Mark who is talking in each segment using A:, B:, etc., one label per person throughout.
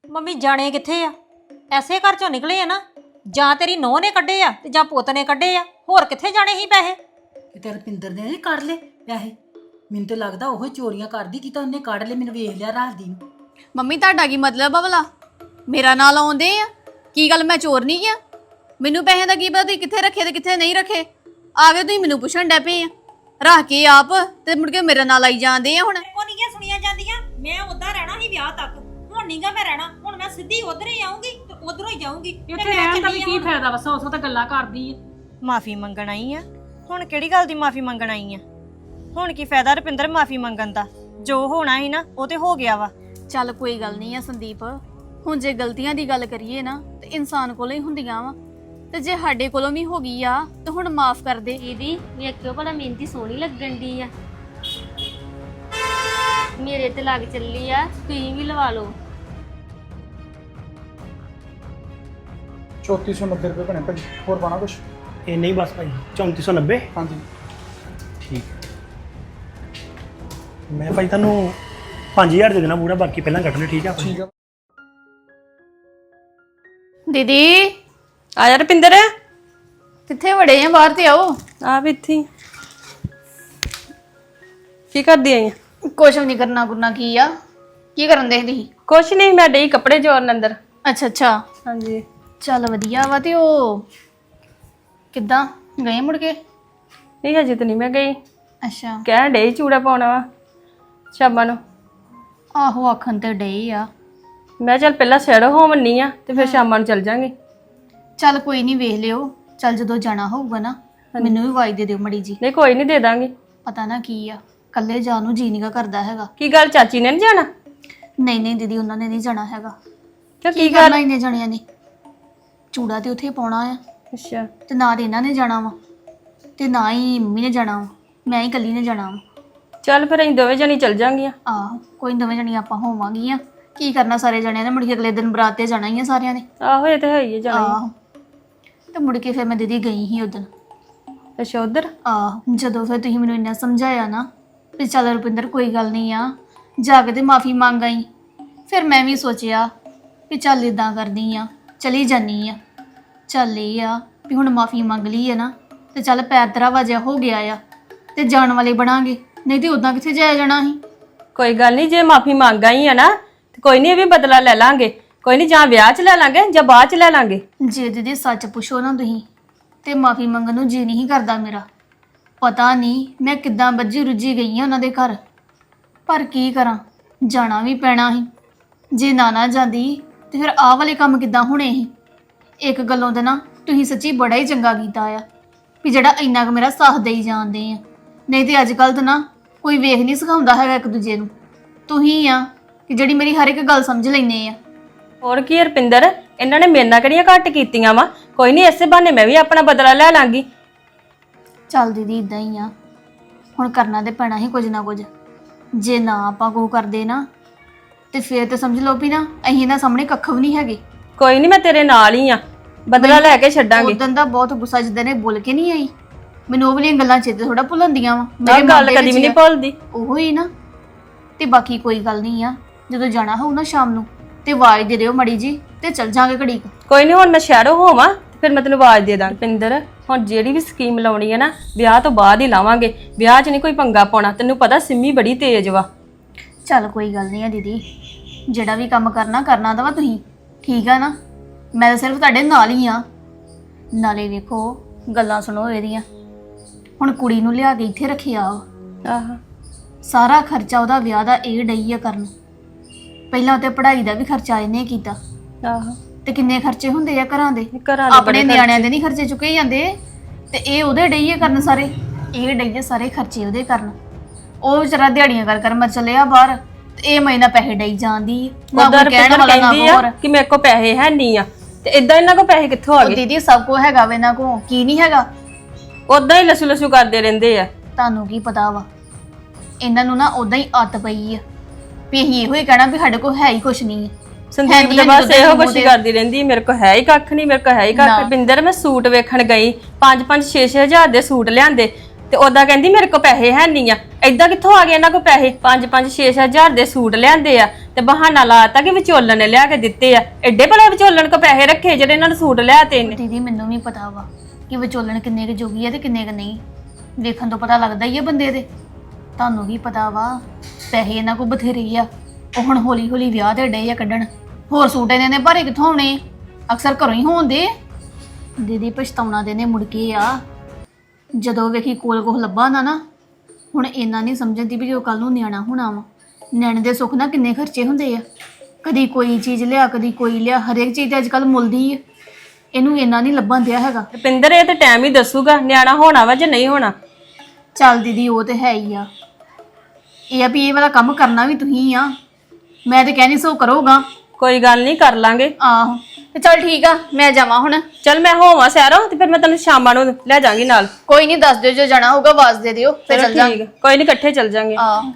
A: Mummy ਜਾਣੇ ਕਿੱਥੇ ਆ? ਐਸੇ ਘਰ ਚੋਂ ਨਿਕਲੇ ਆ ਨਾ, ਜਾਂ ਤੇਰੀ ਨੂੰਹ ਨੇ ਕੱਢੇ ਆ ਤੇ ਜਾਂ ਪੁੱਤ ਨੇ ਕੱਢੇ ਆ, ਹੋਰ ਕਿੱਥੇ ਜਾਣੇ ਸੀ ਪੈਸੇ?
B: ਤੇ ਰਪਿੰਦਰ ਨੇ ਨਹੀਂ ਕੱਢ ਲਏ ਪੈਸੇ। ਮੈਨੂੰ ਤਾਂ ਲੱਗਦਾ ਉਹ ਚੋਰੀਆਂ ਕਰਦੀ ਕਿ ਤਾਂ ਉਹਨੇ ਕੱਢ ਲਏ। ਮੈਨੂੰ ਵੇਖ ਲਿਆ ਰਾਤ ਦੀ ਨੂੰ।
C: ਮੰਮੀ ਤੁਹਾਡਾ ਕੀ ਮਤਲਬ ਆ ਭਲਾ? ਮੇਰਾ ਨਾਂ ਲਾਉਂਦੇ ਆ? ਕੀ ਗੱਲ ਮੈਂ ਚੋਰ ਨਹੀਂ ਆ? ਮੈਨੂੰ ਪੈਸੇ ਦਾ ਕੀ ਪਤਾ ਤੁਸੀਂ ਕਿੱਥੇ ਰੱਖੇ ਤੇ ਕਿੱਥੇ ਨਹੀਂ ਰੱਖੇ? ਆ ਗਏ ਤੁਸੀਂ ਮੈਨੂੰ ਪੁੱਛਣ ਡੈ ਪਏ ਆ, ਰੱਖ ਕੇ ਆਪ ਤੇ ਮੁੜ ਕੇ ਮੇਰਾ ਨਾਂ ਲਾਈ ਜਾਂਦੇ ਆ। ਹੁਣ
A: ਉਹ ਨਹੀਂ ਸੁਣੀਆਂ ਜਾਂਦੀਆਂ। ਮੈਂ ਉਦਾਂ ਰਹਿਣਾ ਸੀ ਵਿਆਹ ਤੱਕ, ਹੁਣ ਨਹੀਂਗਾ ਮੈਂ ਰਹਿਣਾ। ਹੁਣ ਮੈਂ ਸਿੱਧੀ ਉਧਰ ਹੀ ਆਉਂਗੀ ਤੇ ਉਧਰੋਂ ਹੀ ਜਾਊਂਗੀ।
D: ਇੱਥੇ ਰਹਿਣ ਦਾ ਵੀ ਕੀ ਫਾਇਦਾ? ਬਸ ਉਸ ਤਾਂ ਗੱਲਾਂ ਕਰਦੀ ਆ।
E: ਮਾਫੀ ਮੰਗਣ ਆਈ ਆ? ਹੁਣ ਕਿਹੜੀ ਗੱਲ ਦੀ ਮਾਫੀ ਮੰਗਣ ਆਈ ਆ? ਹੁਣ ਕੀ ਫਾਇਦਾ ਰੁਪਿੰਦਰ ਮਾਫੀ ਮੰਗਣ ਦਾ? ਜੋ ਹੋਣਾ ਸੀ ਨਾ ਉਹ ਤੇ ਹੋ ਗਿਆ ਵਾ।
C: ਚੱਲ ਕੋਈ ਗੱਲ ਨਹੀਂ ਆ ਸੰਦੀਪ, ਹੁਣ ਜੇ ਗਲਤੀਆਂ ਦੀ ਗੱਲ ਕਰੀਏ ਨਾ ਤੇ ਇਨਸਾਨ ਕੋਲੋਂ ਹੀ ਹੁੰਦੀਆਂ ਵਾ, ਤੇ ਜੇ ਸਾਡੇ ਕੋਲੋਂ ਵੀ ਹੋ ਗਈ ਆ ਤੇ ਹੁਣ ਮਾਫ ਕਰ ਦੇ।
F: ਦੀਦੀ ਵੇਖਿਓ ਭਲਾ ਮਿਹਨਤੀ ਸੋਹਣੀ ਲੱਗਣ ਦੀ ਆ, ਮੇਰੇ ਤੇ ਲੱਗ ਚੱਲੀ ਆ, ਤੁਸੀਂ ਵੀ ਲਵਾ ਲਓ।
G: 3490 ਰੁਪਏ ਬਣੇ ਭਾਜੀ। ਹੋਰ ਪਾਣਾ ਕੁਛ?
H: ਇਹ ਨਹੀਂ ਬਸ ਭਾਈ 3490।
G: ਹਾਂਜੀ
H: ਠੀਕ ਮੈਂ ਭਾਈ ਤੁਹਾਨੂੰ 5000 ਦੇ ਦੇਣਾ ਪੂਰਾ, ਬਾਕੀ ਪਹਿਲਾਂ ਕੱਟ ਲਿਓ। ਠੀਕ ਆ
G: ਠੀਕ ਆ।
C: ਦੀਦੀ
E: ਆ ਜਾ ਰੁਪਿੰਦਰ।
C: ਕਿੱਥੇ ਵੜੇ ਆ? ਬਾਹਰ ਤੇ ਆਓ।
E: ਆ ਵੀ ਇੱਥੇ ਕੀ ਕਰਦੀ ਆਈ?
C: ਕੁਛ ਵੀ ਨਹੀਂ ਕਰਨਾ ਗੁਰਨਾ। ਕੀ ਆ? ਕੀ ਕਰਨ ਦੇ ਤੁਸੀਂ?
E: ਕੁਛ ਨਹੀਂ, ਮੈਂ ਡਈ ਕੱਪੜੇ ਜੋੜਨ ਅੰਦਰ।
C: ਅੱਛਾ ਅੱਛਾ,
E: ਹਾਂਜੀ
C: ਚੱਲ ਵਧੀਆ ਵਾ। ਤੇ ਉਹ ਕਿੱਦਾਂ ਗਏ ਮੁੜ ਕੇ?
E: ਨਹੀਂ ਹਜੇ ਤਾਂ ਨਹੀਂ ਮੈਂ ਗਈ।
C: ਅੱਛਾ,
E: ਕਹਿਣ ਡਈ ਚੂੜਾ ਪਾਉਣਾ ਵਾ ਸ਼ਾਮਾਂ ਨੂੰ।
C: ਆਹੋ ਆਖਣ ਤੇ ਡੇ ਆ।
E: ਮੈਂ ਚੱਲ ਪਹਿਲਾਂ ਸਿਰ ਹੋਵਣੀ ਆ ਤੇ ਫਿਰ ਸ਼ਾਮਾਂ ਨੂੰ ਚੱਲ ਜਾਾਂਗੇ।
C: ਚੱਲ ਕੋਈ ਨਹੀਂ, ਵੇਖ ਲਿਓ। ਚੱਲ ਜਦੋਂ ਜਾਣਾ ਹੋਊਗਾ ਨਾ ਮੈਨੂੰ ਵੀ ਆਵਾਜ਼ ਦੇ ਦਿਓ ਮੜੀ ਜੀ।
E: ਨਹੀਂ ਕੋਈ ਨਹੀਂ, ਦੇ ਦਾਂਗੇ।
C: ਪਤਾ ਨਾ ਕੀ ਆ, ਕੱਲੇ ਜਾਣ ਨੂੰ ਜੀ ਨੀਗਾ ਕਰਦਾ ਹੈਗਾ।
E: ਕੀ ਗੱਲ ਚਾਚੀ ਨੇ ਨਹੀਂ ਜਾਣਾ?
C: ਨਹੀਂ ਨਹੀਂ ਦੀਦੀ, ਉਹਨਾਂ ਨੇ ਨਹੀਂ ਜਾਣਾ ਹੈਗਾ।
E: ਕਿਉਂ
C: ਕੀ
E: ਕੀ
C: ਕਰਨਾ
E: ਗੱਲ?
C: ਇਹਨੇ ਜਾਣਿਆਂ ਨੇ? ਚੂੜਾ ਤੇ ਉੱਥੇ ਪਾਉਣਾ ਆ,
E: ਅੱਛਾ
C: ਤੇ ਨਾ ਤੇ ਇਹਨਾਂ ਨੇ ਜਾਣਾ ਵਾ ਤੇ ਨਾ ਹੀ ਮੰਮੀ ਨੇ ਜਾਣਾ ਵਾ, ਮੈਂ ਹੀ ਇਕੱਲੀ ਨੇ ਜਾਣਾ ਵਾ।
E: ਚੱਲ ਫਿਰ ਅਸੀਂ ਦੋਵੇਂ ਜਣੀ ਚੱਲ ਜਾਾਂਗੀਆਂ।
C: ਆਹੋ ਕੋਈ ਦੋਵੇਂ ਜਣੀਆਂ ਆਪਾਂ ਹੋਵਾਂਗੀਆਂ। ਕੀ ਕਰਨਾ ਸਾਰੇ ਜਣਿਆਂ ਨੇ? ਮੁੜ ਕੇ ਅਗਲੇ ਦਿਨ ਬਰਾਤ ਤੇ ਜਾਣਾ ਹੀ ਆ ਸਾਰਿਆਂ ਨੇ।
E: ਆਹੋ ਇਹ ਤਾਂ ਹੈ ਹੀ ਆ, ਜਾਣਾ
C: ਆਹੋ, ਤੇ ਮੁੜ ਕੇ ਫਿਰ ਮੈਂ ਦੀਦੀ ਗਈ ਸੀ ਉਦੋਂ।
E: ਹੀ। ਅੱਛਾ ਉਧਰ?
C: ਆਹੋ, ਜਦੋਂ ਫਿਰ ਤੁਸੀਂ ਮੈਨੂੰ ਇੰਨਾ ਸਮਝਾਇਆ ਨਾ ਵੀ ਚੱਲ ਰੁਪਿੰਦਰ ਕੋਈ ਗੱਲ ਨਹੀਂ ਆ, ਜਾ ਕੇ ਤੇ ਮਾਫੀ ਮੰਗ ਆਈ, ਫਿਰ ਮੈਂ ਵੀ ਸੋਚਿਆ ਵੀ ਚੱਲ ਇਦਾਂ ਕਰਦੀ ਆ, ਚਲੀ ਜਾਨੀ ਆ। ਚੱਲ ਇਹ ਆ ਵੀ ਹੁਣ ਮਾਫੀ ਮੰਗ ਲਈ ਆ ਨਾ, ਤੇ ਚੱਲ ਪੈਰ ਤੇਰਾ ਵਾਜਿਆ ਹੋ ਗਿਆ ਆ ਤੇ ਜਾਣ ਵਾਲੇ ਬਣਾਂਗੇ, ਨਹੀਂ ਤੇ ਉਦਾਂ ਕਿੱਥੇ ਜਾਇਆ ਜਾਣਾ ਸੀ।
E: ਕੋਈ ਗੱਲ ਨਹੀਂ, ਜੇ ਮਾਫੀ ਮੰਗ ਆਈ ਆ ਨਾ ਤੇ ਕੋਈ ਨਹੀਂ, ਇਹ ਵੀ ਬਦਲਾ ਲੈ ਲਾਂਗੇ। ਕੋਈ ਨਹੀਂ, ਜਾਂ ਵਿਆਹ 'ਚ ਲੈ ਲਾਂਗੇ ਜਾਂ ਬਾਅਦ 'ਚ ਲੈ ਲਾਂਗੇ।
C: ਜੇ ਦੀਦੀ ਸੱਚ ਪੁੱਛੋ ਨਾ ਤੁਸੀਂ ਤੇ ਮਾਫੀ ਮੰਗਣ ਨੂੰ ਜੀ ਨਹੀਂ ਕਰਦਾ ਮੇਰਾ। ਪਤਾ ਨਹੀਂ ਮੈਂ ਕਿੱਦਾਂ ਬੱਝੀ ਰੁੱਝੀ ਗਈ ਆ ਉਹਨਾਂ ਦੇ ਘਰ, ਪਰ ਕੀ ਕਰਾਂ, ਜਾਣਾ ਵੀ ਪੈਣਾ ਸੀ। ਜੇ ਨਾ ਜਾਂਦੀ ਤੇ ਫਿਰ ਆਹ ਵਾਲੇ ਕੰਮ ਕਿੱਦਾਂ ਹੋਣੇ ਸੀ। ਇੱਕ ਗੱਲੋਂ ਤੇ ਨਾ ਤੁਸੀਂ ਸੱਚੀ ਬੜਾ ਹੀ ਚੰਗਾ ਕੀਤਾ ਆ ਵੀ ਜਿਹੜਾ ਇੰਨਾ ਕੁ ਮੇਰਾ ਸਾਥ ਦੇਈ ਜਾਂਦੇ ਆ, ਨਹੀਂ ਤੇ ਅੱਜ ਕੱਲ੍ਹ ਤਾਂ ਨਾ ਕੋਈ ਵੇਖ ਨਹੀਂ ਸਿਖਾਉਂਦਾ ਹੈਗਾ ਇੱਕ ਦੂਜੇ ਨੂੰ। ਤੁਸੀਂ ਆ ਕਿ ਜਿਹੜੀ ਮੇਰੀ ਹਰ ਇੱਕ ਗੱਲ ਸਮਝ ਲੈਂਦੇ ਆ।
E: ਹੋਰ ਕੀ ਰੁਪਿੰਦਰ, ਇਹਨਾਂ ਨੇ ਮੇਰੇ ਨਾਲ ਕਿਹੜੀਆਂ ਘੱਟ ਕੀਤੀਆਂ ਵਾ? ਕੋਈ ਨਹੀਂ, ਇਸੇ ਬਹਾਨੇ ਮੈਂ ਵੀ ਆਪਣਾ ਬਦਲਾ ਲੈ ਲਾਂਗੀ।
C: ਚੱਲ ਦੀਦੀ ਇਦਾਂ ਹੀ ਆ, ਹੁਣ ਕਰਨਾ ਤੇ ਪੈਣਾ ਹੀ ਕੁਝ ਨਾ ਕੁਝ। ਜੇ ਨਾ ਆਪਾਂ ਕੋ ਕਰਦੇ ਨਾ ਤੇ ਫੇਰ ਤਾਂ ਸਮਝ ਲਓ ਵੀ ਨਾ ਅਸੀਂ ਇਹਨਾਂ ਸਾਹਮਣੇ ਕੱਖ ਵੀ ਨਹੀਂ ਹੈਗੇ।
E: ਕੋਈ ਨਹੀਂ, ਮੈਂ ਤੇਰੇ ਨਾਲ ਹੀ ਆ, ਬਦਲਾ ਲੈ ਕੇ ਛੱਡਾਂਗੇ।
C: ਉਦੋਂ ਦਾ ਬਹੁਤ ਗੁੱਸਾ ਜਿੱਦਾਂ ਨੇ ਬੋਲ ਕੇ ਨਹੀਂ ਆਈ ਮੈਨੂੰ, ਉਹ ਵਾਲੀਆਂ ਗੱਲਾਂ ਚੇਤੇ ਥੋੜਾ ਭੁੱਲਣਦੀਆਂ ਵਾ।
E: ਆਹ ਗੱਲ ਕਦੀ ਵੀ ਨਹੀਂ ਭੁੱਲਦੀ।
C: ਉਹੋ ਹੀ ਨਾ। ਤੇ ਬਾਕੀ ਕੋਈ ਗੱਲ ਨਹੀਂ ਆ, ਜਦੋਂ ਜਾਣਾ ਹੋਊ ਨਾ ਸ਼ਾਮ ਨੂੰ ਤੇ ਆਵਾਜ਼ ਦੇ ਦਿਓ ਮੜੀ ਜੀ ਤੇ ਚੱਲ ਜਾਾਂਗੇ ਘੜੀ ਕੁ।
E: ਕੋਈ ਨਹੀਂ, ਹੁਣ ਮੈਂ ਸ਼ਹਿਰੋਂ ਹੋਵਾਂ ਤੇ ਫਿਰ ਮੈਂ ਤੈਨੂੰ ਆਵਾਜ਼ ਦੇ ਦਾਂ। ਰੁਪਿੰਦਰ, ਹੁਣ ਜਿਹੜੀ ਵੀ ਸਕੀਮ ਲਾਉਣੀ ਹੈ ਨਾ ਵਿਆਹ ਤੋਂ ਬਾਅਦ ਹੀ ਲਾਵਾਂਗੇ, ਵਿਆਹ 'ਚ ਨਹੀਂ ਕੋਈ ਪੰਗਾ ਪਾਉਣਾ। ਤੈਨੂੰ ਪਤਾ ਸਿੰਮੀ ਬੜੀ ਤੇਜ਼ ਵਾ।
C: ਚੱਲ ਕੋਈ ਗੱਲ ਨਹੀਂ ਆ ਦੀਦੀ, ਜਿਹੜਾ ਵੀ ਕੰਮ ਕਰਨਾ ਦਾ ਵਾ ਤੁਸੀਂ, ਠੀਕ ਆ ਨਾ? ਮੈਂ ਤਾਂ ਸਿਰਫ ਤੁਹਾਡੇ ਨਾਲ ਹੀ ਆ। ਨਾਲੇ ਵੇਖੋ ਗੱਲਾਂ ਸੁਣੋ ਇਹਦੀਆਂ। ਹੁਣ ਕੁੜੀ ਨੂੰ ਲਿਆ ਕੇ ਇੱਥੇ ਰੱਖਿਆ ਵਾ,
E: ਆਹ
C: ਸਾਰਾ ਖਰਚਾ ਉਹਦਾ ਵਿਆਹ ਦਾ ਇਹ ਡਈ ਆ ਕਰਨ। ਪਹਿਲਾਂ ਤੇ ਪੜ੍ਹਾਈ ਦਾ ਵੀ ਖਰਚਾ ਇਹਨੇ ਕੀਤਾ,
E: ਆਹ
C: ਤੇ ਕਿੰਨੇ ਖਰਚੇ ਹੁੰਦੇ ਆ ਘਰਾਂ ਦੇ।
E: ਘਰਾਂ ਦੇ
C: ਆਪਣੇ ਨਿਆਣਿਆਂ ਦੇ ਨਹੀਂ ਖਰਚੇ ਚੁੱਕੇ ਜਾਂਦੇ, ਤੇ ਇਹ ਉਹਦੇ ਡਈ ਆ ਕਰਨ ਸਾਰੇ। ਇਹ ਡਈ ਆ ਸਾਰੇ ਖਰਚੇ ਉਹਦੇ ਕਰਨ। ਉਹ ਵਿਚਾਰਾ ਦਿਹਾੜੀਆਂ ਕਰ ਮਰ ਚੱਲਿਆ ਬਾਹਰ, ਤੇ ਇਹ ਮਹੀਨਾ ਪੈਸੇ ਡਈ ਜਾਂਦੀ ਨਾ
E: ਉਧਰ
C: ਕੋਈ ਕਹਿਣ ਵਾਲਾ ਨਾ
E: ਕਹਿੰਦੀ ਆ
C: ਹੋਰ।
E: ਕਿ ਮੇਰੇ ਕੋਲ ਪੈਸੇ ਹੈ ਨਹੀਂ ਆ, ਤੇ ਇਦਾਂ ਇਹਨਾਂ ਕੋਲ ਪੈਸੇ ਕਿੱਥੋਂ ਆ
C: ਉਹ
E: ਗਏ?
C: ਦੀਦੀ ਸਭ ਕੁਝ ਹੈਗਾ ਵੇ ਇਹਨਾਂ ਕੋ, ਕੀ ਨਹੀਂ ਹੈਗਾ?
E: ਉਦਾਂ ਹੀ ਲਸੂ ਲਸੂ ਕਰਦੇ ਰਹਿੰਦੇ ਆ।
C: ਤੁਹਾਨੂੰ ਕੀ ਪਤਾ ਵਾ, ਇਹਨਾਂ ਨੂੰ ਨਾ ਉਦਾਂ ਹੀ ਆਦਤ ਪਈ ਆ ਵੀ ਅਸੀਂ ਇਹੋ ਹੀ ਕਹਿਣਾ ਵੀ ਸਾਡੇ ਕੋਲ ਹੈ ਹੀ ਕੁਛ ਨਹੀਂ ਹੈ।
E: ਸੰਦੀਪ ਦੇ ਬਸ ਇਹੋ ਕੁਛ ਕਰਦੀ ਰਹਿੰਦੀ, ਮੇਰੇ ਕੋਲ ਹੈ ਹੀ ਕੱਖ ਨਹੀਂ, ਮੇਰੇ ਕੋਲ ਹੈ ਹੀ ਕੱਖ। ਰੁਪਿੰਦਰ, ਮੈਂ ਸੂਟ ਵੇਖਣ ਗਈ, 5-5 6-6 ਹਜ਼ਾਰ ਦੇ ਸੂਟ ਲਿਆਂਦੇ, ਤੇ ਉਦਾਂ ਕਹਿੰਦੀ ਮੇਰੇ ਕੋਲ ਪੈਸੇ ਹੈ ਨਹੀਂ ਆ। ਏਦਾਂ ਕਿੱਥੋਂ ਆ ਗਏ ਇਹਨਾਂ ਕੋਲ ਪੈਸੇ? 5-5 6-6 ਹਜ਼ਾਰ ਦੇ ਸੂਟ ਲਿਆਂਦੇ ਆ ਤੇ ਬਹਾਨਾ ਲਾਤਾ ਕਿ ਵਿਚੋਲਣ ਨੇ ਲਿਆ ਕੇ ਦਿੱਤੇ ਆ। ਐਡੇ ਭਲੇ ਵਿਚੋਲਣ ਕੋ ਪੈਸੇ ਰੱਖੇ ਜਿਹੜੇ ਇਹਨਾਂ ਨੂੰ ਸੂਟ ਲਿਆਤੇ ਨੇ।
C: ਦੀਦੀ ਮੈਨੂੰ ਵੀ ਪਤਾ ਵਾ ਕਿ ਵਿਚੋਲਣ ਕਿੰਨੇ ਕੁ ਜੋਗੀ ਆ ਤੇ ਕਿੰਨੇ ਕੁ ਨਹੀਂ। ਵੇਖਣ ਤੋਂ ਪਤਾ ਲੱਗਦਾ ਹੀ ਆ ਬੰਦੇ ਦੇ। ਤੁਹਾਨੂੰ ਵੀ ਪਤਾ ਵਾ ਪੈਸੇ ਇਹਨਾਂ ਕੋਲ ਬਥੇਰੇ ਆ। ਉਹ ਹੁਣ ਹੌਲੀ ਹੌਲੀ ਵਿਆਹ ਦੇ ਡੇ ਆ ਕੱਢਣ। ਹੋਰ ਸੂਟ ਇਹਨਾਂ ਨੇ ਭਾਰੇ ਕਿੱਥੋਂ ਆਉਣੇ? ਅਕਸਰ ਘਰੋਂ ਹੀ ਹੋਣਦੇ। ਦੀਦੀ ਪਛਤਾਉਣਾ ਦੇ ਨੇ ਮੁੜ ਕੇ ਆ ਜਦੋਂ ਵੇਖੀ ਕੋਲ ਕੋਹ ਲੱਭਾ ਨਾ ਹੁਣ ਇੰਨਾ ਨਹੀਂ ਸਮਝਦੀ ਵੀ ਜੋ ਕੱਲ ਨੂੰ ਨਿਆਣਾ ਹੋਣਾ ਵਾ। ਨਿਆਣੇ ਦੇ ਸੁੱਖ ਨਾ ਕਿੰਨੇ ਖਰਚੇ ਹੁੰਦੇ ਆ। ਕਦੀ ਕੋਈ ਚੀਜ਼ ਲਿਆ ਕਦੀ ਕੋਈ ਲਿਆ। ਹਰੇਕ ਚੀਜ਼ ਅੱਜ ਕੱਲ ਮੁੱਲਦੀ ਆ। ਇਹਨੂੰ ਇੰਨਾ ਨਹੀਂ ਲੱਭਣ ਦਿਆ ਹੈਗਾ।
E: ਰੁਪਿੰਦਰ ਇਹ ਤੇ ਟਾਈਮ ਹੀ ਦੱਸੂਗਾ ਨਿਆਣਾ ਹੋਣਾ ਵਾ ਜਾਂ ਨਹੀਂ ਹੋਣਾ।
C: ਚੱਲ ਦੀਦੀ ਉਹ ਤੇ ਹੈ ਹੀ ਆ। ਇਹ ਆ ਵੀ ਇਹ ਵਾਲਾ ਕੰਮ ਕਰਨਾ ਵੀ ਤੁਸੀਂ ਆ। ਮੈਂ ਤੇ ਕਹਿਣੀ ਸੋ ਕਰੋਗਾ।
E: ਕੋਈ ਗੱਲ ਨਹੀਂ ਕਰ ਲਾਂਗੇ।
C: ਆਹੋ ਤੇ ਚੱਲ ਠੀਕ ਆ ਮੈਂ ਜਾਵਾਂ ਹੁਣ।
E: ਚੱਲ ਮੈਂ ਹੋਵਾਂ ਸੈਰੋਂ ਤੇ ਫਿਰ ਮੈਂ ਤੈਨੂੰ ਸ਼ਾਮਾਂ ਨੂੰ ਲੈ ਜਾਵਾਂਗੀ ਨਾਲ।
C: ਕੋਈ ਨਹੀਂ ਦੱਸ ਦਿਓ ਜੋ ਜਾਣਾ ਹੋਊਗਾ ਆਵਾਜ਼ ਦੇ ਦਿਓ ਫਿਰ ਚੱਲ ਜਾ।
E: ਠੀਕ ਆ, ਕੋਈ ਨਹੀਂ ਇਕੱਠੇ ਚੱਲ ਜਾਾਂਗੇ।
C: ਆਹ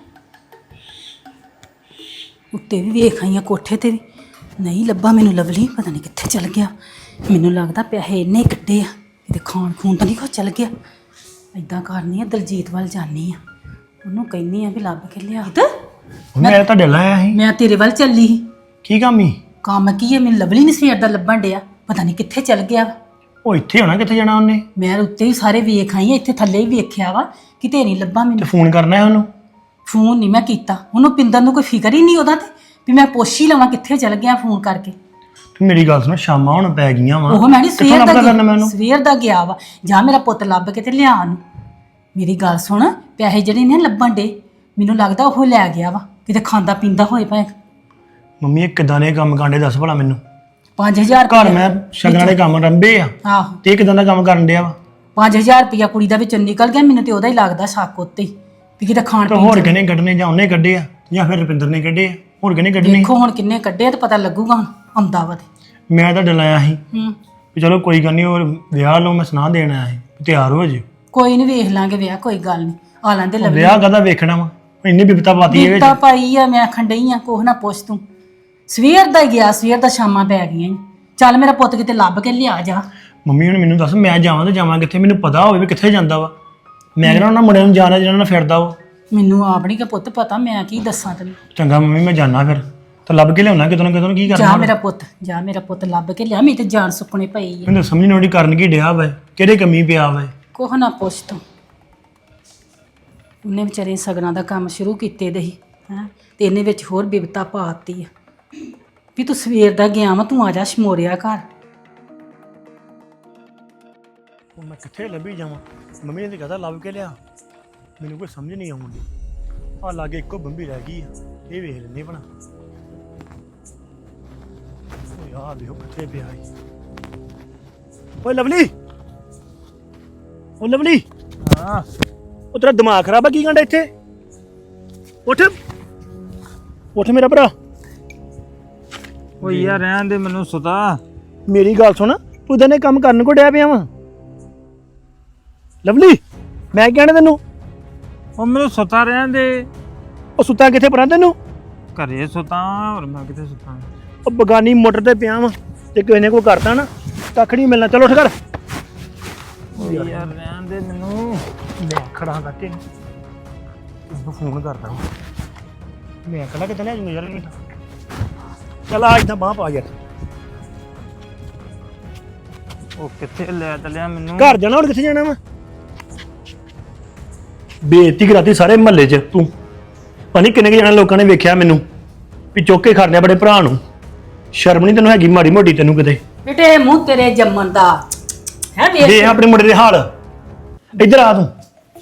B: ਉੱਤੇ ਵੀ ਵੇਖ ਆਈਆਂ ਕੋਠੇ ਤੇ ਵੀ ਨਹੀਂ ਲੱਭਾ ਮੈਨੂੰ ਲਵਲੀ। ਪਤਾ ਨਹੀਂ ਕਿੱਥੇ ਚਲ ਗਿਆ। ਮੈਨੂੰ ਲੱਗਦਾ ਪੈਸੇ ਇੰਨੇ ਕੱਢੇ ਆ ਕਿਤੇ ਖਾਣ ਖੂਨ ਤਾਂ ਨਹੀਂ ਕੋ ਚਲ ਗਿਆ। ਏਦਾਂ ਕਰਨੀ ਆ ਦਲਜੀਤ ਵੱਲ ਜਾਨੀ ਆ। ਉਹਨੂੰ ਕਹਿੰਨੀ ਆ ਵੀ ਲੱਭ ਕੇ ਲਿਆ।
H: ਮੈਂ ਤੁਹਾਡੇ ਲਾਇਆ ਸੀ।
B: ਮੈਂ ਤੇਰੇ ਵੱਲ ਚੱਲੀ ਸੀ।
H: ਕੀ ਕੰਮ ਹੀ?
B: ਕੰਮ ਕੀ ਹੈ? ਮੈਨੂੰ ਲਵਲੀ ਨਹੀਂ ਸਵੇਰ ਦਾ ਲੱਭਣ ਡਿਆ। ਪਤਾ ਨਹੀਂ ਕਿੱਥੇ ਚਲ ਗਿਆ।
H: ਉਹ ਇੱਥੇ ਹੋਣਾ, ਕਿੱਥੇ ਜਾਣਾ ਉਹਨੇ?
B: ਮੈਂ ਉੱਤੇ ਹੀ ਸਾਰੇ ਵੇਖ ਆਈ ਆ। ਇੱਥੇ ਥੱਲੇ ਹੀ ਵੇਖਿਆ ਵਾ ਕਿਤੇ ਨਹੀਂ ਲੱਭਾ
H: ਤੇ
B: ਮੈਨੂੰ।
H: ਫੋਨ ਕਰਨਾ ਹੈ ਉਹਨੂੰ?
B: ਫੋਨ ਨਹੀਂ ਮੈਂ ਕੀਤਾ ਉਹਨੂੰ। ਪਿੰਦਰ ਨੂੰ ਕੋਈ ਫਿਕਰ ਹੀ ਨਹੀਂ ਉਹਦਾ ਤੇ ਵੀ ਮੈਂ ਪੁੱਛ ਹੀ ਲਵਾਂ ਕਿੱਥੇ ਚਲ ਗਿਆ ਫੋਨ ਕਰਕੇ।
H: ਤੂੰ ਮੇਰੀ ਗੱਲ ਸੁਣ, ਸ਼ਾਮਾਂ ਹੁਣ ਪੈ ਗਈਆਂ ਵਾ।
B: ਉਹ ਮੈਂ ਨਹੀਂ
H: ਕਿੱਥੋਂ
B: ਸਵੇਰ ਦਾ
H: ਲੱਭਦਾ ਕਰਨਾ ਮੈਂ ਉਹਨੂੰ?
B: ਸਵੇਰ ਦਾ ਗਿਆ ਵਾ। ਜਾਂ ਮੇਰਾ ਪੁੱਤ ਲੱਭ ਕੇ ਤੇ ਲਿਆ ਉਹਨੂੰ। ਮੇਰੀ ਗੱਲ ਸੁਣ, ਪੈਸੇ ਜਿਹੜੇ ਨੇ ਲੱਭਣ ਡੇ ਮੈਨੂੰ ਲੱਗਦਾ ਉਹ ਲੈ ਗਿਆ ਵਾ ਕਿਤੇ ਖਾਂਦਾ ਪੀਂਦਾ ਹੋਏ ਭਾਵੇਂ।
H: ਮੰਮੀ ਇਹ ਕਿਦਾਂ ਦੇ ਕੰਮ ਕਾਂਡੇ ਦੱਸ ਭਲਾ ਮੈਨੂੰ।
B: 5000
H: ਘਰ ਮੈਂ ਸ਼ਗਨਾਂ ਦੇ ਕੰਮ ਰੰਭੇ ਆ
B: ਆਹੋ
H: ਤੇ ਇਹ ਕਿਦਾਂ ਦਾ ਕੰਮ ਕਰਨ ਡਿਆ ਵਾ?
B: 5000 ਰੁਪਇਆ ਕੁੜੀ ਦਾ ਵਿੱਚੋਂ ਨਿਕਲ ਗਿਆ। ਮੈਨੂੰ ਤੇ ਉਹਦਾ ਹੀ ਲੱਗਦਾ ਸ਼ੱਕ ਉੱਤੇ ਹੀ ਵੀ ਕਿਤੇ ਖਾਣ
H: ਤੇ
B: ਪੀਣ
H: ਹੋਰ ਕਿਹਨੇ ਕੱਢਣੇ? ਜਾਂ ਉਹਨੇ ਕੱਢੇ ਆ ਜਾਂ ਫਿਰ ਰੁਪਿੰਦਰ ਨੇ ਕੱਢੇ ਆ। ਹੋਰ ਕਿਹਨੇ ਕੱਢਣੇ?
B: ਦੇਖੋ ਹੁਣ ਕਿੰਨੇ ਕੱਢੇ ਆ ਤੇ ਪਤਾ ਲੱਗੂਗਾ ਹੁਣ ਆਉਂਦਾ ਵਾ ਤੇ।
H: ਮੈਂ ਤਾਂ ਡਲਾਇਆ ਸੀ
B: ਹੂੰ
H: ਵੀ ਚਲੋ ਕੋਈ ਗੱਲ ਨਹੀਂ। ਹੋਰ ਵਿਆਹ ਲਓ, ਮੈਂ ਸੁਣਾ ਦੇਣ ਆਇਆ ਸੀ ਵੀ ਤਿਆਰ ਹੋ ਜੇ।
B: ਕੋਈ ਨਹੀਂ ਵੇਖ ਲਾਂਗੇ ਵਿਆਹ। ਕੋਈ ਗੱਲ ਨਹੀਂ ਆ ਲੈਂਦੇ ਲਵਲੀ।
H: ਵਿਆਹ ਕਾਹਦਾ ਵੇਖਣਾ ਵਾ? ਇੰਨੀ ਬਿਪਤਾ ਪਾਤੀ ਇਹ ਵਿੱਚ।
B: ਬਿਪਤਾ ਪਾਈ ਆ। ਮੈਂ ਆਖਣ ਡਈ ਆ ਕੋਹ ਨਾ ਪੁੱਛ ਤੂੰ। ਸਵੇਰ ਦਾ ਹੀ ਗਿਆ। ਸਵੇਰ ਦਾ ਸ਼ਾਮਾਂ ਪੈ ਗਈਆਂ ਈ। ਚੱਲ ਮੇਰਾ ਪੁੱਤ ਕਿਤੇ ਲੱਭ ਕੇ ਲਿਆ ਜਾ।
H: ਮੰਮੀ ਹੁਣ ਮੈਨੂੰ ਦੱਸ ਮੈਂ ਜਾਵਾਂ ਤੇ ਜਾਵਾਂ ਕਿੱਥੇ? ਮੈਨੂੰ ਪਤਾ ਹੋਵੇ ਵੀ ਕਿੱਥੇ ਜਾਂਦਾ ਵਾ। ਮੈਂ ਕਿਹੜਾ ਉਹਨਾਂ ਮੁੰਡਿਆਂ ਨੂੰ ਜਾਣਾ ਜਿਹਨਾਂ ਨਾਲ ਫਿਰਦਾ ਉਹ।
B: ਮੈਨੂੰ ਆਪ ਨਹੀਂ ਕਿ ਪੁੱਤ ਪਤਾ। ਮੈਂ ਕੀ ਦੱਸਾਂ ਤੈਨੂੰ।
H: ਚੰਗਾ ਮੰਮੀ ਮੈਂ ਜਾਣਾ ਫਿਰ ਤਾਂ ਲੱਭ ਕੇ ਲਿਆਉਣਾ ਕਿਤੋਂ ਨਾ ਕਿਤੋਂ। ਕੀ
B: ਜਾ
H: ਕਰਨਾ?
B: ਮੇਰਾ ਪੁੱਤ ਜਾ। ਮੇਰਾ ਪੁੱਤ ਲੱਭ ਕੇ ਲਿਆ। ਮੇਰੀ ਤੇ ਜਾਨ ਸੁੱਕਣੇ ਪਈ ਆ।
H: ਮੈਨੂੰ ਸਮਝ ਨਹੀਂ ਆਉਂਦੀ ਕਰਨ ਕੀ ਡਿਆ ਵਾ, ਕਿਹੜੇ ਕਮੀ ਪਿਆ ਵਾ।
B: ਕੋਹ ਨਾ ਪੁੱਛ ਤੂੰ। ਉਹਨੇ ਵਿਚਾਰੇ ਸਗਨਾਂ ਦਾ ਕੰਮ ਸ਼ੁਰੂ ਕੀਤੇ ਦੇ ਸੀ ਹੈਂ ਤੇ ਇਹਨੇ ਵਿੱਚ ਹੋਰ ਬਿਪਤਾ ਪਾਤੀ ਆ ਵੀ ਤੂੰ ਸਵੇਰ ਦਾ ਗਿਆ ਵਾ। ਤੂੰ ਆ ਜਾ ਸ਼ਮੋਰਿਆ ਘਰ।
H: ਹੁਣ ਮੈਂ ਕਿੱਥੇ ਲੱਭੀ ਜਾਵਾਂ? ਮੰਮੀ ਨੇ ਤਾਂ ਕਹਤਾ ਲੱਭ ਕੇ ਲਿਆ। ਮੈਨੂੰ ਕੋਈ ਸਮਝ ਨਹੀਂ ਆਉਂਦੀ। ਆ ਲਾਗੇ ਇੱਕੋ ਬੰਬੀ ਰਹਿ ਗਈ ਆ। ਇਹ ਵੇਖ ਲੈਂਦੇ ਭਲਾ। ਓ ਯਾਰ ਦੇਖੋ ਕਿੱਥੇ ਪਿਆ ਈ। ਓਏ ਲਵਲੀ, ਓ ਲਵਲੀ। ਹਾਂ ਉਹ ਤੇਰਾ ਦਿਮਾਗ ਖਰਾਬ ਆ? ਕੀ ਕਹਿੰਦਾ ਇੱਥੇ? ਉੱਠ ਉੱਠ ਮੇਰਾ ਭਰਾ।
I: ਓ ਯਾਰ ਰਹਿਣ ਦੇ ਮੈਨੂੰ ਸੁਤਾ।
H: ਮੇਰੀ ਗੱਲ ਸੁਣ, ਤੂੰ ਇਦਾਂ ਦੇ ਕੰਮ ਕਰਨ ਕੋ ਡਿਆ ਪਿਆ ਵਾ? ਲਵਲੀ ਮੈਂ ਕਹਿਣਾ ਤੈਨੂੰ।
I: ਓ ਮੈਨੂੰ ਸੁਤਾ ਰਹਿਣ ਦੇ।
H: ਉਹ ਸੁੱਤਾ ਕਿੱਥੇ ਪਰਾਂ ਤੈਨੂੰ?
I: ਘਰੇ ਸੁਤਾ ਹੋਰ ਮੈਂ ਕਿੱਥੇ ਸੁਤਾ?
H: ਉਹ ਬਗਾਨੀ ਮੋਟਰ ਤੇ ਪਿਆ ਵਾ ਤੇ ਕਿਸੇ ਨੇ ਕੋਈ ਕਰਤਾ ਨਾ ਕੱਖ ਨਹੀਂ ਮਿਲਣਾ। ਚਲੋ ਉੱਠ ਕਰ।
I: ਓ ਯਾਰ ਰਹਿਣ ਦੇ ਮੈਨੂੰ।
H: ਮੈਂ ਖੜਾ ਕਰਕੇ ਤੈਨੂੰ ਫੋਨ ਕਰਦਾ ਹਾਂ। ਮੈਂ ਕਹਿੰਦਾ ਕਿਤੇ ਲੈ ਜੂਗਾ ਯਾਰ। ਚੱਲ ਆ ਇੱਦਾਂ ਬਾਂਹ ਪਾ ਯਾਰ।
I: ਉਹ ਕਿੱਥੇ ਲੈ ਚੱਲਿਆ ਮੈਨੂੰ?
H: ਘਰ ਜਾਣਾ। ਹੋਰ ਕਿੱਥੇ ਜਾਣਾ ਵਾ? ਬੇਇੱਜ਼ਤੀ ਕਰਾਤੀ ਸਾਰੇ ਮਹੱਲੇ 'ਚ ਤੂੰ। ਪਤਾ ਨਹੀਂ ਕਿੰਨੇ ਕੁ ਜਣੇ ਲੋਕਾਂ ਨੇ ਵੇਖਿਆ ਮੈਨੂੰ ਵੀ ਚੁੱਕ ਕੇ ਖੜਨੇ ਬੜੇ ਭਰਾ ਨੂੰ। ਸ਼ਰਮ ਨਹੀਂ ਤੈਨੂੰ ਹੈਗੀ ਮਾੜੀ ਮੋਟੀ ਤੈਨੂੰ ਕਿਤੇ?
B: ਬੇਟੇ ਮੂੰਹ ਤੇਰੇ ਜੰਮਣ ਦਾ ਹੈ। ਵੇਖ
H: ਦੇ ਆਪਣੇ ਮੁੰਡੇ ਦੇ ਹਾਲ। ਇੱਧਰ ਆ ਤੂੰ।